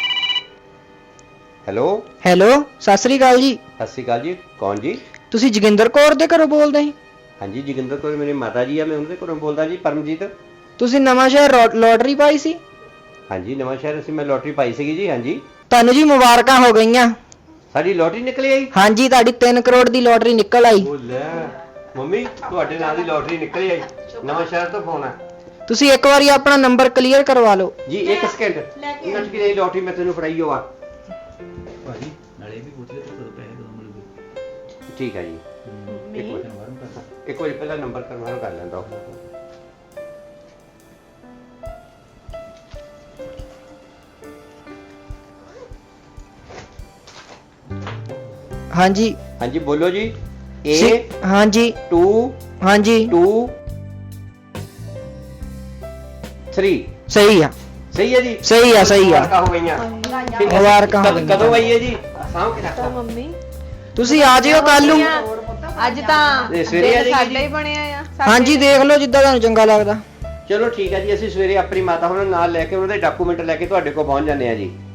S4: ਹੈਲੋ,
S6: ਹੈਲੋ, ਸਤਿ ਸ੍ਰੀ ਅਕਾਲ ਜੀ।
S4: ਸਤਿ ਸ਼੍ਰੀ ਅਕਾਲ ਜੀ। ਕੌਣ ਜੀ?
S6: ਤੁਸੀਂ ਜੋਗਿੰਦਰ ਕੌਰ ਦੇ ਘਰੋਂ ਬੋਲਦੇ ਸੀ?
S4: ਹਾਂਜੀ ਜੋਗਿੰਦਰ ਕੌਰ ਮੇਰੀ ਮਾਤਾ ਜੀ ਆ, ਮੈਂ ਉਹਨਾਂ ਦੇ ਘਰੋਂ ਬੋਲਦਾ ਜੀ। ਪਰਮਜੀਤ।
S6: ਤੁਸੀਂ ਨਵਾਂ ਸ਼ਹਿਰ ਰੋ- ਲੋਟਰੀ ਪਾਈ ਸੀ?
S4: ਹਾਂਜੀ ਨਵਾਂ ਸ਼ਹਿਰ ਅਸੀਂ ਮੈਂ ਲੋਟਰੀ ਪਾਈ ਸੀਗੀ ਜੀ। ਹਾਂਜੀ
S6: ਤੁਹਾਨੂੰ ਜੀ ਮੁਬਾਰਕਾਂ ਹੋ ਗਈਆਂ।
S4: ਸਾਡੀ ਲੋਟਰੀ ਨਿਕਲੀ ਆਈ।
S6: ਹਾਂਜੀ, ਤੁਹਾਡੀ ਤਿੰਨ ਕਰੋੜ ਦੀ ਲੋਟਰੀ ਨਿਕਲ ਆਈ।
S4: ਉਹ ਲੈ ਮੰਮੀ, ਤੁਹਾਡੇ ਨਾਂ ਦੀ ਲੋਟਰੀ ਨਿਕਲੀ ਆਈ। ਨਵਾਂ ਸ਼ਹਿਰ ਤੋਂ ਫੋਨ ਆ
S6: ਤੁਸੀਂ ਇੱਕ ਵਾਰੀ ਆਪਣਾ ਨੰਬਰ ਕਲੀਅਰ ਕਰਵਾ ਲਓ।
S4: ਜੀ। ਇੱਕ ਸਕਿੰਟ
S5: ਲੈ ਕੇ
S4: ਨੱਚ ਕੇ ਲੋਟਰੀ ਮੈਂ ਤੈਨੂੰ ਫੜਾਈ ਹੋ ਆ।
S1: ਭਾਜੀ ਨਾਲੇ ਵੀ ਪੁੱਛ ਲੈ ਕਦੋਂ ਪੈਸੇ ਕਦੋਂ ਮਿਲੂਗੇ।
S4: ਠੀਕ ਹੈ ਜੀ। ਇੱਕ ਵਾਰ ਇੱਕ ਵਾਰੀ ਪਹਿਲਾਂ ਨੰਬਰ ਕਨਫਰਮ ਕਰ ਲੈਂਦਾ ਉਹ।
S6: ਹਾਂਜੀ
S4: ਹਾਂਜੀ ਬੋਲੋ ਜੀ। ਏ
S6: ਸਿ- ਹਾਂਜੀ
S4: ਟੂ
S6: ਹਾਂਜੀ
S4: ਟੂ ਥ੍ਰੀ।
S6: ਸਹੀ ਆ,
S4: ਸਹੀ ਹੈ ਜੀ।
S6: ਸਹੀ ਆ, ਸਹੀ ਆ।
S4: ਮੁਬਾਰਕਾਂ ਹੋ ਗਈਆਂ। ਠੀਕ ਹੈ।
S6: ਮੁਬਾਰਕਾਂ ਹੋ
S4: ਕਦ- ਕਦੋਂ ਆਈ ਹੈ ਜੀ? ਸਾਂਭ ਕੇ
S2: ਤਾਂ
S4: ਰੱਖ।
S2: ਮੰਮੀ
S6: ਤੁਸੀਂ ਆ ਜਿਓ ਕੱਲ ਨੂੰ।
S2: ਅੱਜ ਤਾਂ
S4: ਇਹ ਸਵੇਰੇ ਆ
S2: ਦਿਨ
S4: ਜਾਏਗੀ
S2: ਸਾਡਾ
S4: ਜੀ?
S2: ਹੀ ਬਣਿਆ ਆ। ਸਾਡੇ
S6: ਹਾਂਜੀ, ਦੇਖ ਲਓ ਜਿੱਦਾਂ ਤੁਹਾਨੂੰ ਚੰਗਾ ਲੱਗਦਾ।
S4: ਚਲੋ ਠੀਕ ਹੈ ਜੀ, ਅਸੀਂ ਸਵੇਰੇ ਆਪਣੀ ਮਾਤਾ ਹੋਣਾ ਨਾਲ ਲੈ ਕੇ ਉਹਨਾਂ ਦੇ ਡਾਕੂਮੈਂਟ ਲੈ ਕੇ ਤੁਹਾਡੇ ਕੋਲ ਪਹੁੰਚ ਜਾਂਦੇ ਆ ਜੀ।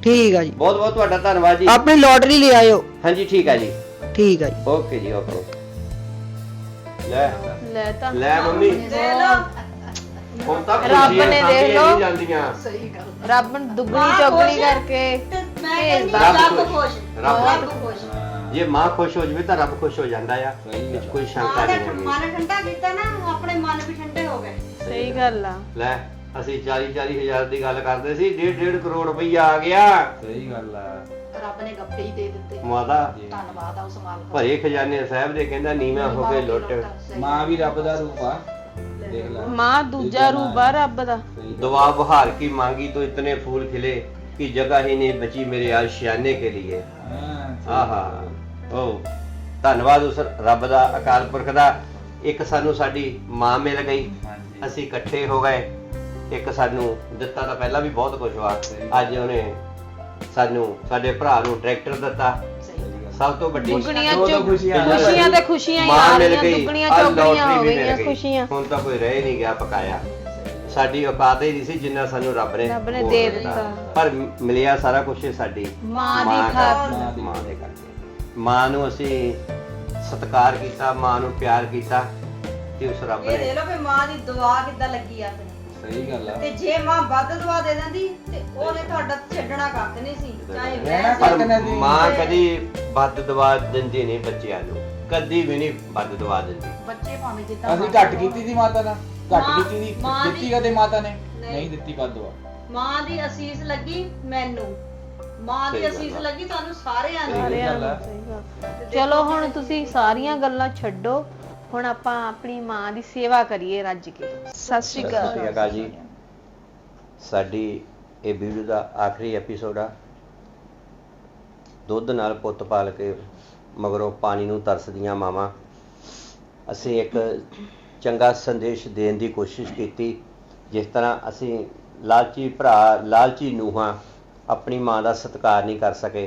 S6: ਠੀਕ ਆ ਜੀ
S4: ਬਹੁਤ ਬਹੁਤ ਤੁਹਾਡਾ ਧੰਨਵਾਦ ਜੀ।
S6: ਆਪਣੀ ਲੋਟਰੀ ਲੈ ਆਇਓ।
S4: ਹਾਂਜੀ ਠੀਕ ਆ ਜੀ।
S6: ਠੀਕ ਆ ਜੀ।
S4: ਓਕੇ ਜੀ ਓਕੇ। ਲੈ
S2: ਲੈ ਤਾਂ
S4: ਲੈ ਮੰਮੀ
S5: ਦੇ ਲੋ
S4: ਹੁਣ ਤਾਂ
S2: ਰੱਬ
S4: ਖੁਸ਼ੀਆਂ
S2: ਨੇ
S4: ਸਾਂਭੀਆਂ
S2: ਦੇਖ ਲਓ।
S4: ਨਹੀਂ ਜਾਂਦੀਆਂ।
S3: ਸਹੀ ਗੱਲ।
S2: ਰੱਬ ਦੁੱਗਣੀ ਚੌਗਣੀ ਕਰਕੇ
S5: ਤੇ ਮੈਂ ਕਹਿੰਦੀ
S2: ਭੇਜਦਾ।
S5: ਰੱਬ
S4: ਰੱਬ
S5: ਖੁਸ਼
S4: ਰੱਬ
S5: ਰੱਬ ਖੁਸ਼
S4: ਜੇ ਮਾਂ ਖੁਸ਼ ਹੋ ਜਵੇ ਤਾਂ ਰੱਬ ਖੁਸ਼ ਹੋ ਜਾਂਦਾ ਆ। ਵਿੱਚ ਕੋਈ ਸ਼ੰਕਾ
S5: ਮਾਂ ਦਾ
S4: ਨਹੀਂ ਹੈਗੀ।
S5: ਮਨ ਠੰਡਾ ਕੀਤਾ ਨਾ ਆਪਣੇ ਮਨ ਵੀ ਠੰਡੇ ਹੋ ਗਏ।
S2: ਸਹੀ ਗੱਲ ਆ।
S4: ਲੈ ਅਸੀਂ ਚਾਲੀ ਚਾਲੀ ਹਜ਼ਾਰ ਦੀ ਗੱਲ ਕਰਦੇ ਸੀ, ਡੇਢ ਡੇਢ ਕਰੋੜ ਰੁਪਈਆ ਆ ਗਿਆ।
S1: ਸਹੀ ਗੱਲ ਆ।
S3: ਰੱਬ ਨੇ ਗੱਪੇ ਹੀ ਦੇ ਦਿੱਤੇ।
S4: ਮਾਤਾ
S3: ਧੰਨਵਾਦ ਆ ਉਸ ਮਾਲਕ ਦਾ।
S4: ਭਰੇ ਖਜ਼ਾਨੇ ਸਾਹਿਬ ਦੇ ਕਹਿੰਦਾ ਨੀਵਾਂ ਹੋ ਕੇ ਲੁੱਟ।
S3: ਸਹੀ।
S1: ਮਾਂ ਵੀ ਰੱਬ ਦਾ ਰੂਪ ਆ, ਦੇਖ ਲੈ।
S2: ਮਾਂ ਦੂਜਾ ਰੂਪ ਆ ਰੱਬ ਦਾ।
S4: दुआ बहार की मांगी तो इतने फूल खिले कि जगह ही नहीं बची मेरे आशियाने के लिए।
S1: ਹਾਂ
S4: ਆਹਾ ਉਹ ਧੰਨਵਾਦ ਉਸ ਰੱਬ ਦਾ, ਅਕਾਲ ਪੁਰਖ ਦਾ। ਇੱਕ ਸਾਨੂੰ ਸਾਡੀ ਮਾਂ ਮਿਲ ਗਈ,
S1: ਹਾਂਜੀ।
S4: ਅਸੀਂ ਇਕੱਠੇ ਹੋ ਗਏ। ਇੱਕ ਸਾਨੂੰ ਦਿੱਤਾ ਤਾਂ ਪਹਿਲਾਂ ਵੀ ਬਹੁਤ ਕੁਝ ਵਾ, ਅੱਜ ਉਹਨੇ ਸਾਨੂੰ ਸਾਡੇ ਭਰਾ ਨੂੰ ਟਰੈਕਟਰ ਦਿੱਤਾ। ਸਭ ਤੋਂ ਵੱਡੀ
S2: ਦੁੱਗਣੀਆਂ
S1: ਦੋ ਦੋ
S2: ਚੌ-
S1: ਖੁਸ਼ੀਆਂ।
S2: ਖੁਸ਼ੀਆਂ ਤੇ ਖੁਸ਼ੀਆਂ ਹੀ
S4: ਮਾਂ
S2: ਆ
S4: ਮਿਲ
S2: ਰਹੀਆਂ,
S4: ਗਈ,
S2: ਦੁੱਗਣੀਆਂ
S4: ਆਹ
S2: ਚੌਗਣੀਆਂ
S4: ਲੋਟਰੀ
S2: ਹੋ
S4: ਵੀ ਮਿਲ
S2: ਗਈਆਂ
S4: ਗਈ।
S2: ਖੁਸ਼ੀਆਂ।
S4: ਹੁਣ ਤਾਂ ਕੋਈ ਰਹਿ ਨਹੀਂ ਗਿਆ ਪਕਾਇਆ। ਸਾਡੀ ਔਕਾਤ ਹੀ ਨਹੀਂ ਸੀ ਜਿੰਨਾ ਸਾਨੂੰ ਰੱਬ ਨੇ
S2: ਰੱਬ ਨੇ
S4: ਹੋਰ
S2: ਦੇ
S4: ਦਿੱਤਾ।
S2: ਦਿੱਤਾ।
S4: ਪਰ ਮਿਲਿਆ ਸਾਰਾ ਕੁਝ ਸਾਡੀ
S2: ਮਾਂ ਦੀ
S4: ਕਰਕੇ,
S2: ਖਾਤਰ।
S4: ਮਾਂ ਦੇ ਕਰਕੇ। ਮਾਂ ਨੂੰ ਅਸੀਂ ਸਤਿਕਾਰ ਕੀਤਾ, ਮਾਂ ਨੂੰ ਪਿਆਰ ਕੀਤਾ ਤੇ ਉਸ ਰੱਬ
S5: ਇਹ ਦੇ
S4: ਨੇ
S5: ਲੋ ਵੀ ਮਾਂ ਦੀ ਦੁਆ ਕਿੱਦਾਂ ਲੱਗੀ ਆ ਤੈਨੂੰ।
S1: ਸਹੀ ਗੱਲ ਆ।
S5: ਤੇ ਜੇ ਮਾਂ ਵੱਧ ਦੁਆ ਦੇ ਦਿੰਦੀ ਤੇ ਉਹਨੇ ਤੁਹਾਡਾ ਛੱਡਣਾ ਕੱਖ ਨਹੀਂ ਸੀ, ਚਾਹੇ
S1: ਰਹਿਣਾ
S5: ਵੈਸੇ
S1: ਕੱਖ ਨਹੀਂ ਸੀ।
S4: ਮਾਂ ਕਦੀ ਵੱਧ ਦਵਾ ਦਿੰਦੀ ਨਹੀਂ ਬੱਚਿਆਂ ਨੂੰ, ਕਦੀ ਵੀ ਨਹੀਂ ਵੱਧ ਦਵਾ ਦਿੰਦੀ।
S3: ਬੱਚੇ ਭਾਵੇਂ ਜਿੱਦਾਂ
S1: ਅਸੀਂ ਘੱਟ ਕੀਤੀ ਸੀ ਮਾਤਾ ਨਾਲ, ਘੱਟ
S5: ਮਾਂ-
S1: ਕੀਤੀ ਸੀ।
S5: ਮਾਂ
S1: ਦਿੱਤੀ
S5: ਦੀ-
S1: ਕਦੇ ਮਾਤਾ ਨੇ?
S5: ਨਹੀਂ।
S1: ਨਹੀਂ ਦਿੱਤੀ ਵਾਧੂ ਆ।
S5: ਮਾਂ ਦੀ ਅਸੀਸ ਲੱਗੀ ਮੈਨੂੰ, ਮਾਂ ਦੀ
S4: ਸਹੀ ਗੱਲ
S5: ਅਸੀਸ
S4: ਆ।
S5: ਲੱਗੀ ਤੁਹਾਨੂੰ ਸਾਰਿਆਂ ਨੂੰ।
S2: ਸਾਰਿਆਂ
S1: ਗੱਲ ਆ।
S2: ਨੂੰ ਸਹੀ ਗੱਲ। ਚਲੋ ਹੁਣ ਤੁਸੀਂ ਸਾਰੀਆਂ ਗੱਲਾਂ ਛੱਡੋ, ਹੁਣ ਆਪਾਂ ਆਪਣੀ ਮਾਂ ਦੀ ਸੇਵਾ ਕਰੀਏ ਰੱਜ ਕੇ। ਸਤਿ ਸ਼੍ਰੀ
S4: ਸਤਿ ਸ਼੍ਰੀ
S2: ਅਕਾਲ।
S4: ਅਕਾਲ ਜੀ। ਸਾਡੀ ਇਹ ਵੀਡੀਓ ਦਾ ਆਖਰੀ ਐਪੀਸੋਡ ਆ। ਦੁੱਧ ਨਾਲ ਪੁੱਤ ਪਾਲ ਕੇ ਮਗਰੋਂ ਪਾਣੀ ਨੂੰ ਤਰਸਦੀਆਂ ਮਾਵਾਂ। ਅਸੀਂ ਇੱਕ ਚੰਗਾ ਸੰਦੇਸ਼ ਦੇਣ ਦੀ ਕੋਸ਼ਿਸ਼ ਕੀਤੀ। ਜਿਸ ਤਰ੍ਹਾਂ ਅਸੀਂ ਲਾਲਚੀ ਭਰਾ, ਲਾਲਚੀ ਨੂੰਹਾਂ ਆਪਣੀ ਮਾਂ ਦਾ ਸਤਿਕਾਰ ਨਹੀਂ ਕਰ ਸਕੇ,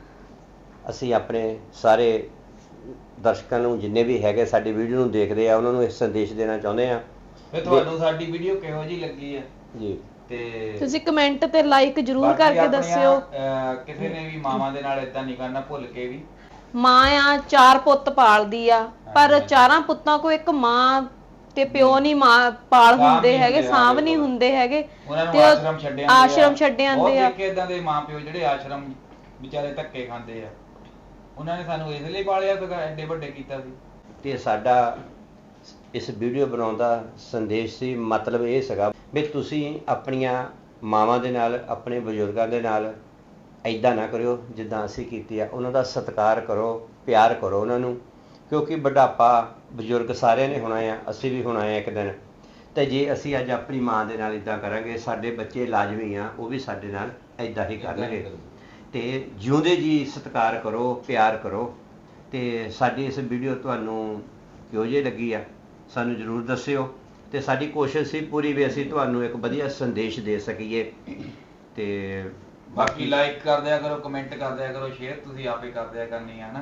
S4: ਅਸੀਂ ਆਪਣੇ ਸਾਰੇ ਦਰਸ਼ਕਾਂ ਨੂੰ, ਜਿੰਨੇ ਵੀ ਹੈਗੇ ਸਾਡੀ ਵੀਡੀਓ ਨੂੰ ਦੇਖਦੇ ਆ, ਉਹਨਾਂ ਨੂੰ ਇਹ ਸੰਦੇਸ਼ ਦੇਣਾ ਚਾਹੁੰਦੇ ਆ।
S1: ਫਿਰ ਤੁਹਾਨੂੰ ਸਾਡੀ ਵੀਡੀਓ ਕਿਹੋ ਜਿਹੀ ਲੱਗੀ ਆ?
S4: ਜੀ
S1: ਤੇ
S2: ਤੁਸੀਂ ਕਮੈਂਟ ਤੇ ਲਾਈਕ ਜਰੂਰ
S1: ਬਾਕੀ
S2: ਕਰਕੇ
S1: ਆਪਣੀਆਂ,
S2: ਦੱਸਿਓ।
S1: ਅਹ, ਕਿਸੇ ਨੇ ਵੀ ਮਾਵਾਂ ਦੇ ਨਾਲ ਇਦਾਂ ਨਹੀਂ ਕਰਨਾ, ਭੁੱਲ ਕੇ ਵੀ।
S2: ਮਾਂ ਆ ਚਾਰ ਪੁੱਤ ਪਾਲਦੀ ਆ, ਪਰ
S1: ਹਾਂਜੀ।
S2: ਚਾਰਾਂ ਪੁੱਤਾਂ ਕੋ ਇੱਕ ਮਾਂ ਤੇ ਪਿਓ ਨਹੀਂ ਮਾਂ ਪਾਲ
S1: ਸਾਂਭ
S2: ਹੁੰਦੇ
S1: ਨਹੀਂ
S2: ਹੈਗੇ,
S1: ਹੁੰਦੇ
S2: ਸਾਂਭ
S1: ਹੈਗੇ।
S2: ਨਹੀਂ ਹੁੰਦੇ ਹੈਗੇ।
S1: ਉਹਨਾਂ ਨੂੰ
S2: ਤੇ ਉਹ
S1: ਆਸ਼ਰਮ ਛੱਡੇ ਆਂਦੇ ਆ।
S2: ਆਸ਼ਰਮ ਛੱਡੇ ਆਂਦੇ
S1: ਬਹੁਤ
S2: ਆ।
S1: ਦੇਖੇ ਇਦਾਂ ਦੇ ਮਾਪਿਓ ਜਿਹੜੇ ਆਸ਼ਰਮ ਵਿਚਾਰੇ ਧੱਕੇ ਖਾਂਦੇ ਆ। ਉਹਨਾਂ ਨੇ ਸਾਨੂੰ ਇਸ ਲਈ ਪਾਲਿਆ ਤੇ ਐਡੇ ਵੱਡੇ ਕੀਤਾ ਸੀ।
S4: ਤੇ ਸਾਡਾ ਇਸ ਵੀਡੀਓ ਬਣਾਉਣ ਦਾ ਸੰਦੇਸ਼ ਸੀ, ਮਤਲਬ ਇਹ ਸੀਗਾ ਵੀ ਤੁਸੀਂ ਆਪਣੀਆਂ ਮਾਵਾਂ ਦੇ ਨਾਲ, ਆਪਣੇ ਬਜ਼ੁਰਗਾਂ ਦੇ ਨਾਲ ਐਦਾਂ ਨਾ ਕਰਿਓ ਜਿੱਦਾਂ ਅਸੀਂ ਕੀਤੀ ਆ। ਉਹਨਾਂ ਦਾ ਸਤਿਕਾਰ ਕਰੋ, ਪਿਆਰ ਕਰੋ ਉਹਨਾਂ ਨੂੰ, ਕਿਉਂਕਿ ਬੁਢਾਪਾ ਬਜ਼ੁਰਗ ਸਾਰਿਆਂ ਨੇ ਹੋਣਾ ਆ, ਅਸੀਂ ਵੀ ਹੋਣਾ ਆ ਇੱਕ ਦਿਨ। ਤੇ ਜੇ ਅਸੀਂ ਅੱਜ ਆਪਣੀ ਮਾਂ ਦੇ ਨਾਲ ਇੱਦਾਂ ਕਰਾਂਗੇ, ਸਾਡੇ ਬੱਚੇ ਲਾਜ਼ਮੀ ਆ ਉਹ ਵੀ ਸਾਡੇ ਨਾਲ ਐਦਾਂ ਹੀ ਕਰਨਗੇ। ਤੇ ਜਿਉਂਦੇ ਜੀ ਸਤਿਕਾਰ ਕਰੋ, ਪਿਆਰ ਕਰੋ। ਤੇ ਸਾਡੀ ਇਸ ਵੀਡੀਓ ਤੁਹਾਨੂੰ ਕਿਹੋ ਜਿਹੀ ਲੱਗੀ ਆ ਸਾਨੂੰ ਜ਼ਰੂਰ ਦੱਸਿਓ। ਤੇ ਸਾਡੀ ਕੋਸ਼ਿਸ਼ ਸੀ ਪੂਰੀ ਵੀ ਅਸੀਂ ਤੁਹਾਨੂੰ ਇੱਕ ਵਧੀਆ ਸੰਦੇਸ਼ ਦੇ ਸਕੀਏ। ਤੇ
S1: ਬਾਕੀ ਲਾਈਕ ਕਰ ਦਿਆ ਕਰੋ, ਕਮੈਂਟ ਕਰ ਦਿਆ ਕਰੋ, ਸ਼ੇਅਰ ਤੁਸੀਂ ਆਪੇ ਕਰ ਦਿਆ ਕਰਨੀ ਆ ਨਾ।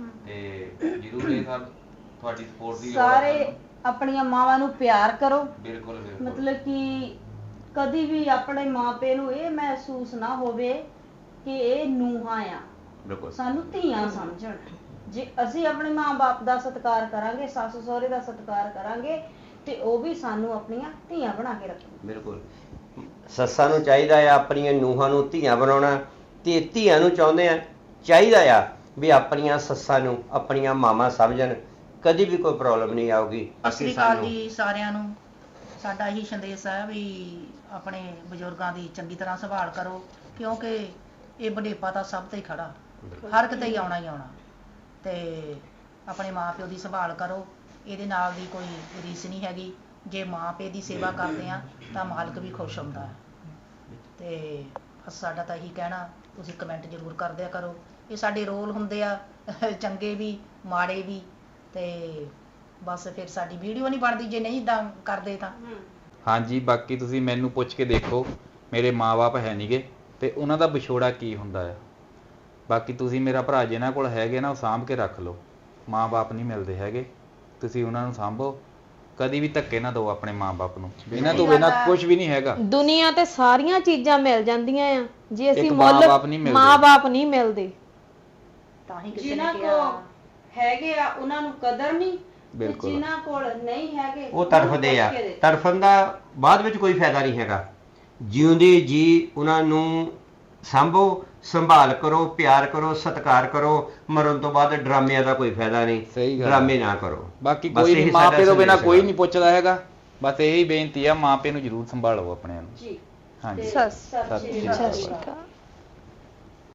S1: ਤੇ ਜਰੂਰ ਇਹ ਸਭ ਤੁਹਾਡੀ ਸਪੋਰਟ ਦੀ ਲੋੜ ਆ
S5: ਸਾਰੇ
S1: ਸਾਨੂੰ।
S5: ਆਪਣੀਆਂ ਮਾਵਾਂ ਨੂੰ ਪਿਆਰ ਕਰੋ।
S1: ਬਿਲਕੁਲ ਬਿਲਕੁਲ।
S5: ਮਤਲਬ ਕਿ ਕਦੀ ਵੀ ਆਪਣੇ ਮਾਪੇ ਨੂੰ ਇਹ ਮਹਿਸੂਸ ਨਾ ਹੋਵੇ ਕਿ ਇਹ ਨੂੰਹਾਂ ਆ,
S4: ਬਿਲਕੁਲ
S5: ਸਾਨੂੰ ਧੀਆਂ ਸਮਝਣ। ਜੇ ਅਸੀਂ ਆਪਣੇ ਮਾਂ-ਬਾਪ ਦਾ ਸਤਿਕਾਰ ਕਰਾਂਗੇ, ਸੱਸ ਸਹੁਰੇ ਦਾ ਸਤਿਕਾਰ ਕਰਾਂਗੇ, ਤੇ ਉਹ ਵੀ ਸਾਨੂੰ ਆਪਣੀਆਂ ਧੀਆਂ ਬਣਾ ਕੇ ਰੱਖਣ।
S4: ਬਿਲਕੁਲ। ਸੱਸਾਂ ਨੂੰ ਚਾਹੀਦਾ ਆ ਆਪਣੀਆਂ ਨੂੰਹਾਂ ਨੂੰ ਧੀਆਂ ਬਣਾਉਣਾ, ਤੇ ਧੀਆਂ ਨੂੰ ਚਾਹੁੰਦੇ ਆ, ਚਾਹੀਦਾ ਆ ਵੀ ਆਪਣੀਆਂ ਸੱਸਾਂ ਨੂੰ ਆਪਣੀਆਂ ਮਾਵਾਂ ਸਮਝਣ। ਕਦੀ ਵੀ ਕੋਈ ਪ੍ਰੋਬਲਮ ਨਹੀਂ ਆਊਗੀ।
S3: ਸਤਿ ਸ਼੍ਰੀ ਅਕਾਲ ਜੀ ਸਾਰਿਆਂ ਨੂੰ। ਸਾਡਾ ਇਹੀ ਸੰਦੇਸ਼ ਹੈ ਵੀ ਆਪਣੇ ਬਜ਼ੁਰਗਾਂ ਦੀ ਚੰਗੀ ਤਰ੍ਹਾਂ ਸੰਭਾਲ ਕਰੋ, ਕਿਉਂਕਿ ਇਹ ਬੁਢੇਪਾ ਤਾਂ ਸਭ ਤੇ ਹੀ ਖੜਾ, ਹਰ ਕਿਤੇ ਹੀ ਆਉਣਾ ਹੀ ਆਉਣਾ। ਤੇ ਆਪਣੇ ਮਾਂ ਪਿਓ ਦੀ ਸੰਭਾਲ ਕਰੋ, ਇਹਦੇ ਨਾਲ ਦੀ ਕੋਈ ਰੀਸ ਨਹੀਂ ਹੈਗੀ। ਜੇ ਮਾਂ ਪਿਓ ਦੀ ਸੇਵਾ ਕਰਦੇ ਆ ਤਾਂ ਮਾਲਕ ਵੀ ਖੁਸ਼ ਹੁੰਦਾ ਹੈ। ਤੇ ਬਸ ਸਾਡਾ ਤਾਂ ਇਹੀ ਕਹਿਣਾ, ਤੁਸੀਂ ਕਮੈਂਟ ਜ਼ਰੂਰ ਕਰ ਦਿਆ ਕਰੋ। ਇਹ ਸਾਡੇ ਰੋਲ ਹੁੰਦੇ ਆ, ਚੰਗੇ ਵੀ ਮਾੜੇ ਵੀ। ਤੇ ਬਸ ਫਿਰ ਸਾਡੀ ਵੀਡੀਓ ਨਹੀਂ ਬਣਦੀ ਜੇ ਨਹੀਂ ਇਦਾਂ ਕਰਦੇ ਤਾਂ।
S1: ਹਾਂਜੀ, ਬਾਕੀ ਤੁਸੀਂ ਮੈਨੂੰ ਪੁੱਛ ਕੇ ਦੇਖੋ, ਮੇਰੇ ਮਾਪੇ ਹੈ ਨਹੀਂਗੇ ਤੇ ਉਹਨਾਂ ਦਾ ਵਿਛੋੜਾ ਕੀ ਹੁੰਦਾ ਆ। ਬਾਕੀ ਤੁਸੀਂ ਮੇਰਾ ਭਰਾ ਜਿਹਨਾਂ ਕੋਲ ਹੈਗੇ ਨਾ, ਉਹ ਸਾਂਭ ਕੇ ਰੱਖ ਲਓ। ਮਾਪੇ ਨਹੀਂ ਮਿਲਦੇ ਹੈਗੇ, ਤੁਸੀਂ ਉਹਨਾਂ ਨੂੰ ਸਾਂਭੋ ਕਦੀ ਵੀ ਧੱਕੇ ਨਾ ਦਿਓ ਆਪਣੇ ਮਾਂ-ਬਾਪ ਨੂੰ, ਇਹਨਾਂ ਤੋਂ ਬਿਨਾਂ ਕੁਝ ਵੀ ਨਹੀਂ ਹੈਗਾ।
S2: ਦੁਨੀਆ ਤੇ ਸਾਰੀਆਂ ਚੀਜ਼ਾਂ ਮਿਲ ਜਾਂਦੀਆਂ ਆ, ਜੇ ਅਸੀਂ
S1: ਇੱਕ
S2: ਮੁੱਲ
S1: ਮਾਂ-ਬਾਪ ਨਹੀਂ ਮਿਲਦੇ।
S2: ਮਾਂ-ਬਾਪ ਨਹੀਂ ਮਿਲਦੇ।
S3: ਤਾਂ ਹੀ ਕਿਸੇ
S5: ਜਿਨ੍ਹਾਂ
S3: ਨੇ
S5: ਕੋ
S3: ਕਿਹਾ
S5: ਹੈਗੇ ਆ ਉਹਨਾਂ ਨੂੰ ਕਦਰ ਨਹੀਂ, ਤੇ
S1: ਬਿਲਕੁਲ।
S5: ਜਿਨ੍ਹਾਂ ਕੋਲ ਨਹੀਂ ਹੈਗੇ
S4: ਉਹ ਤੜਫਦੇ ਆ।
S5: ਪੁੱਛ ਕੇ ਦੇ।
S4: ਤੜਫਣ ਦਾ ਬਾਅਦ ਵਿੱਚ ਕੋਈ ਫਾਇਦਾ ਨਹੀਂ ਹੈਗਾ। ਜਿਉਂਦੇ ਜੀ ਉਹਨਾਂ ਨੂੰ ਸੰਭੋ, ਸੰਭਾਲ ਕਰੋ, ਪਿਆਰ ਕਰੋ, ਸਤਿਕਾਰ ਕਰੋ। ਮਰਨ ਤੋਂ ਬਾਅਦ ਡਰਾਮਿਆਂ ਦਾ ਕੋਈ ਫਾਇਦਾ ਨਹੀਂ।
S1: ਸਹੀ ਗੱਲ।
S4: ਡਰਾਮੇ ਨਾ ਕਰੋ।
S1: ਬਾਕੀ
S4: ਬਸ
S1: ਕੋਈ
S4: ਇਹੀ
S1: ਨਹੀਂ,
S4: ਸਾਡਾ
S1: ਮਾਪੇ ਤੋਂ ਬਿਨਾਂ
S4: ਸੰਦੇਸ਼
S1: ਕੋਈ
S4: ਹੈਗਾ।
S1: ਨਹੀਂ ਪੁੱਛਦਾ ਹੈਗਾ। ਬਸ ਇਹੀ ਬੇਨਤੀ ਆ, ਮਾਪੇ ਨੂੰ ਜ਼ਰੂਰ ਸੰਭਾਲੋ ਆਪਣਿਆਂ ਨੂੰ।
S5: ਜੀ
S1: ਹਾਂਜੀ
S2: ਸਤਿ
S5: ਸਤਿ ਸ਼੍ਰੀ
S1: ਸਤਿ
S5: ਅਕਾਲ।
S2: ਸ਼੍ਰੀ ਅਕਾਲ।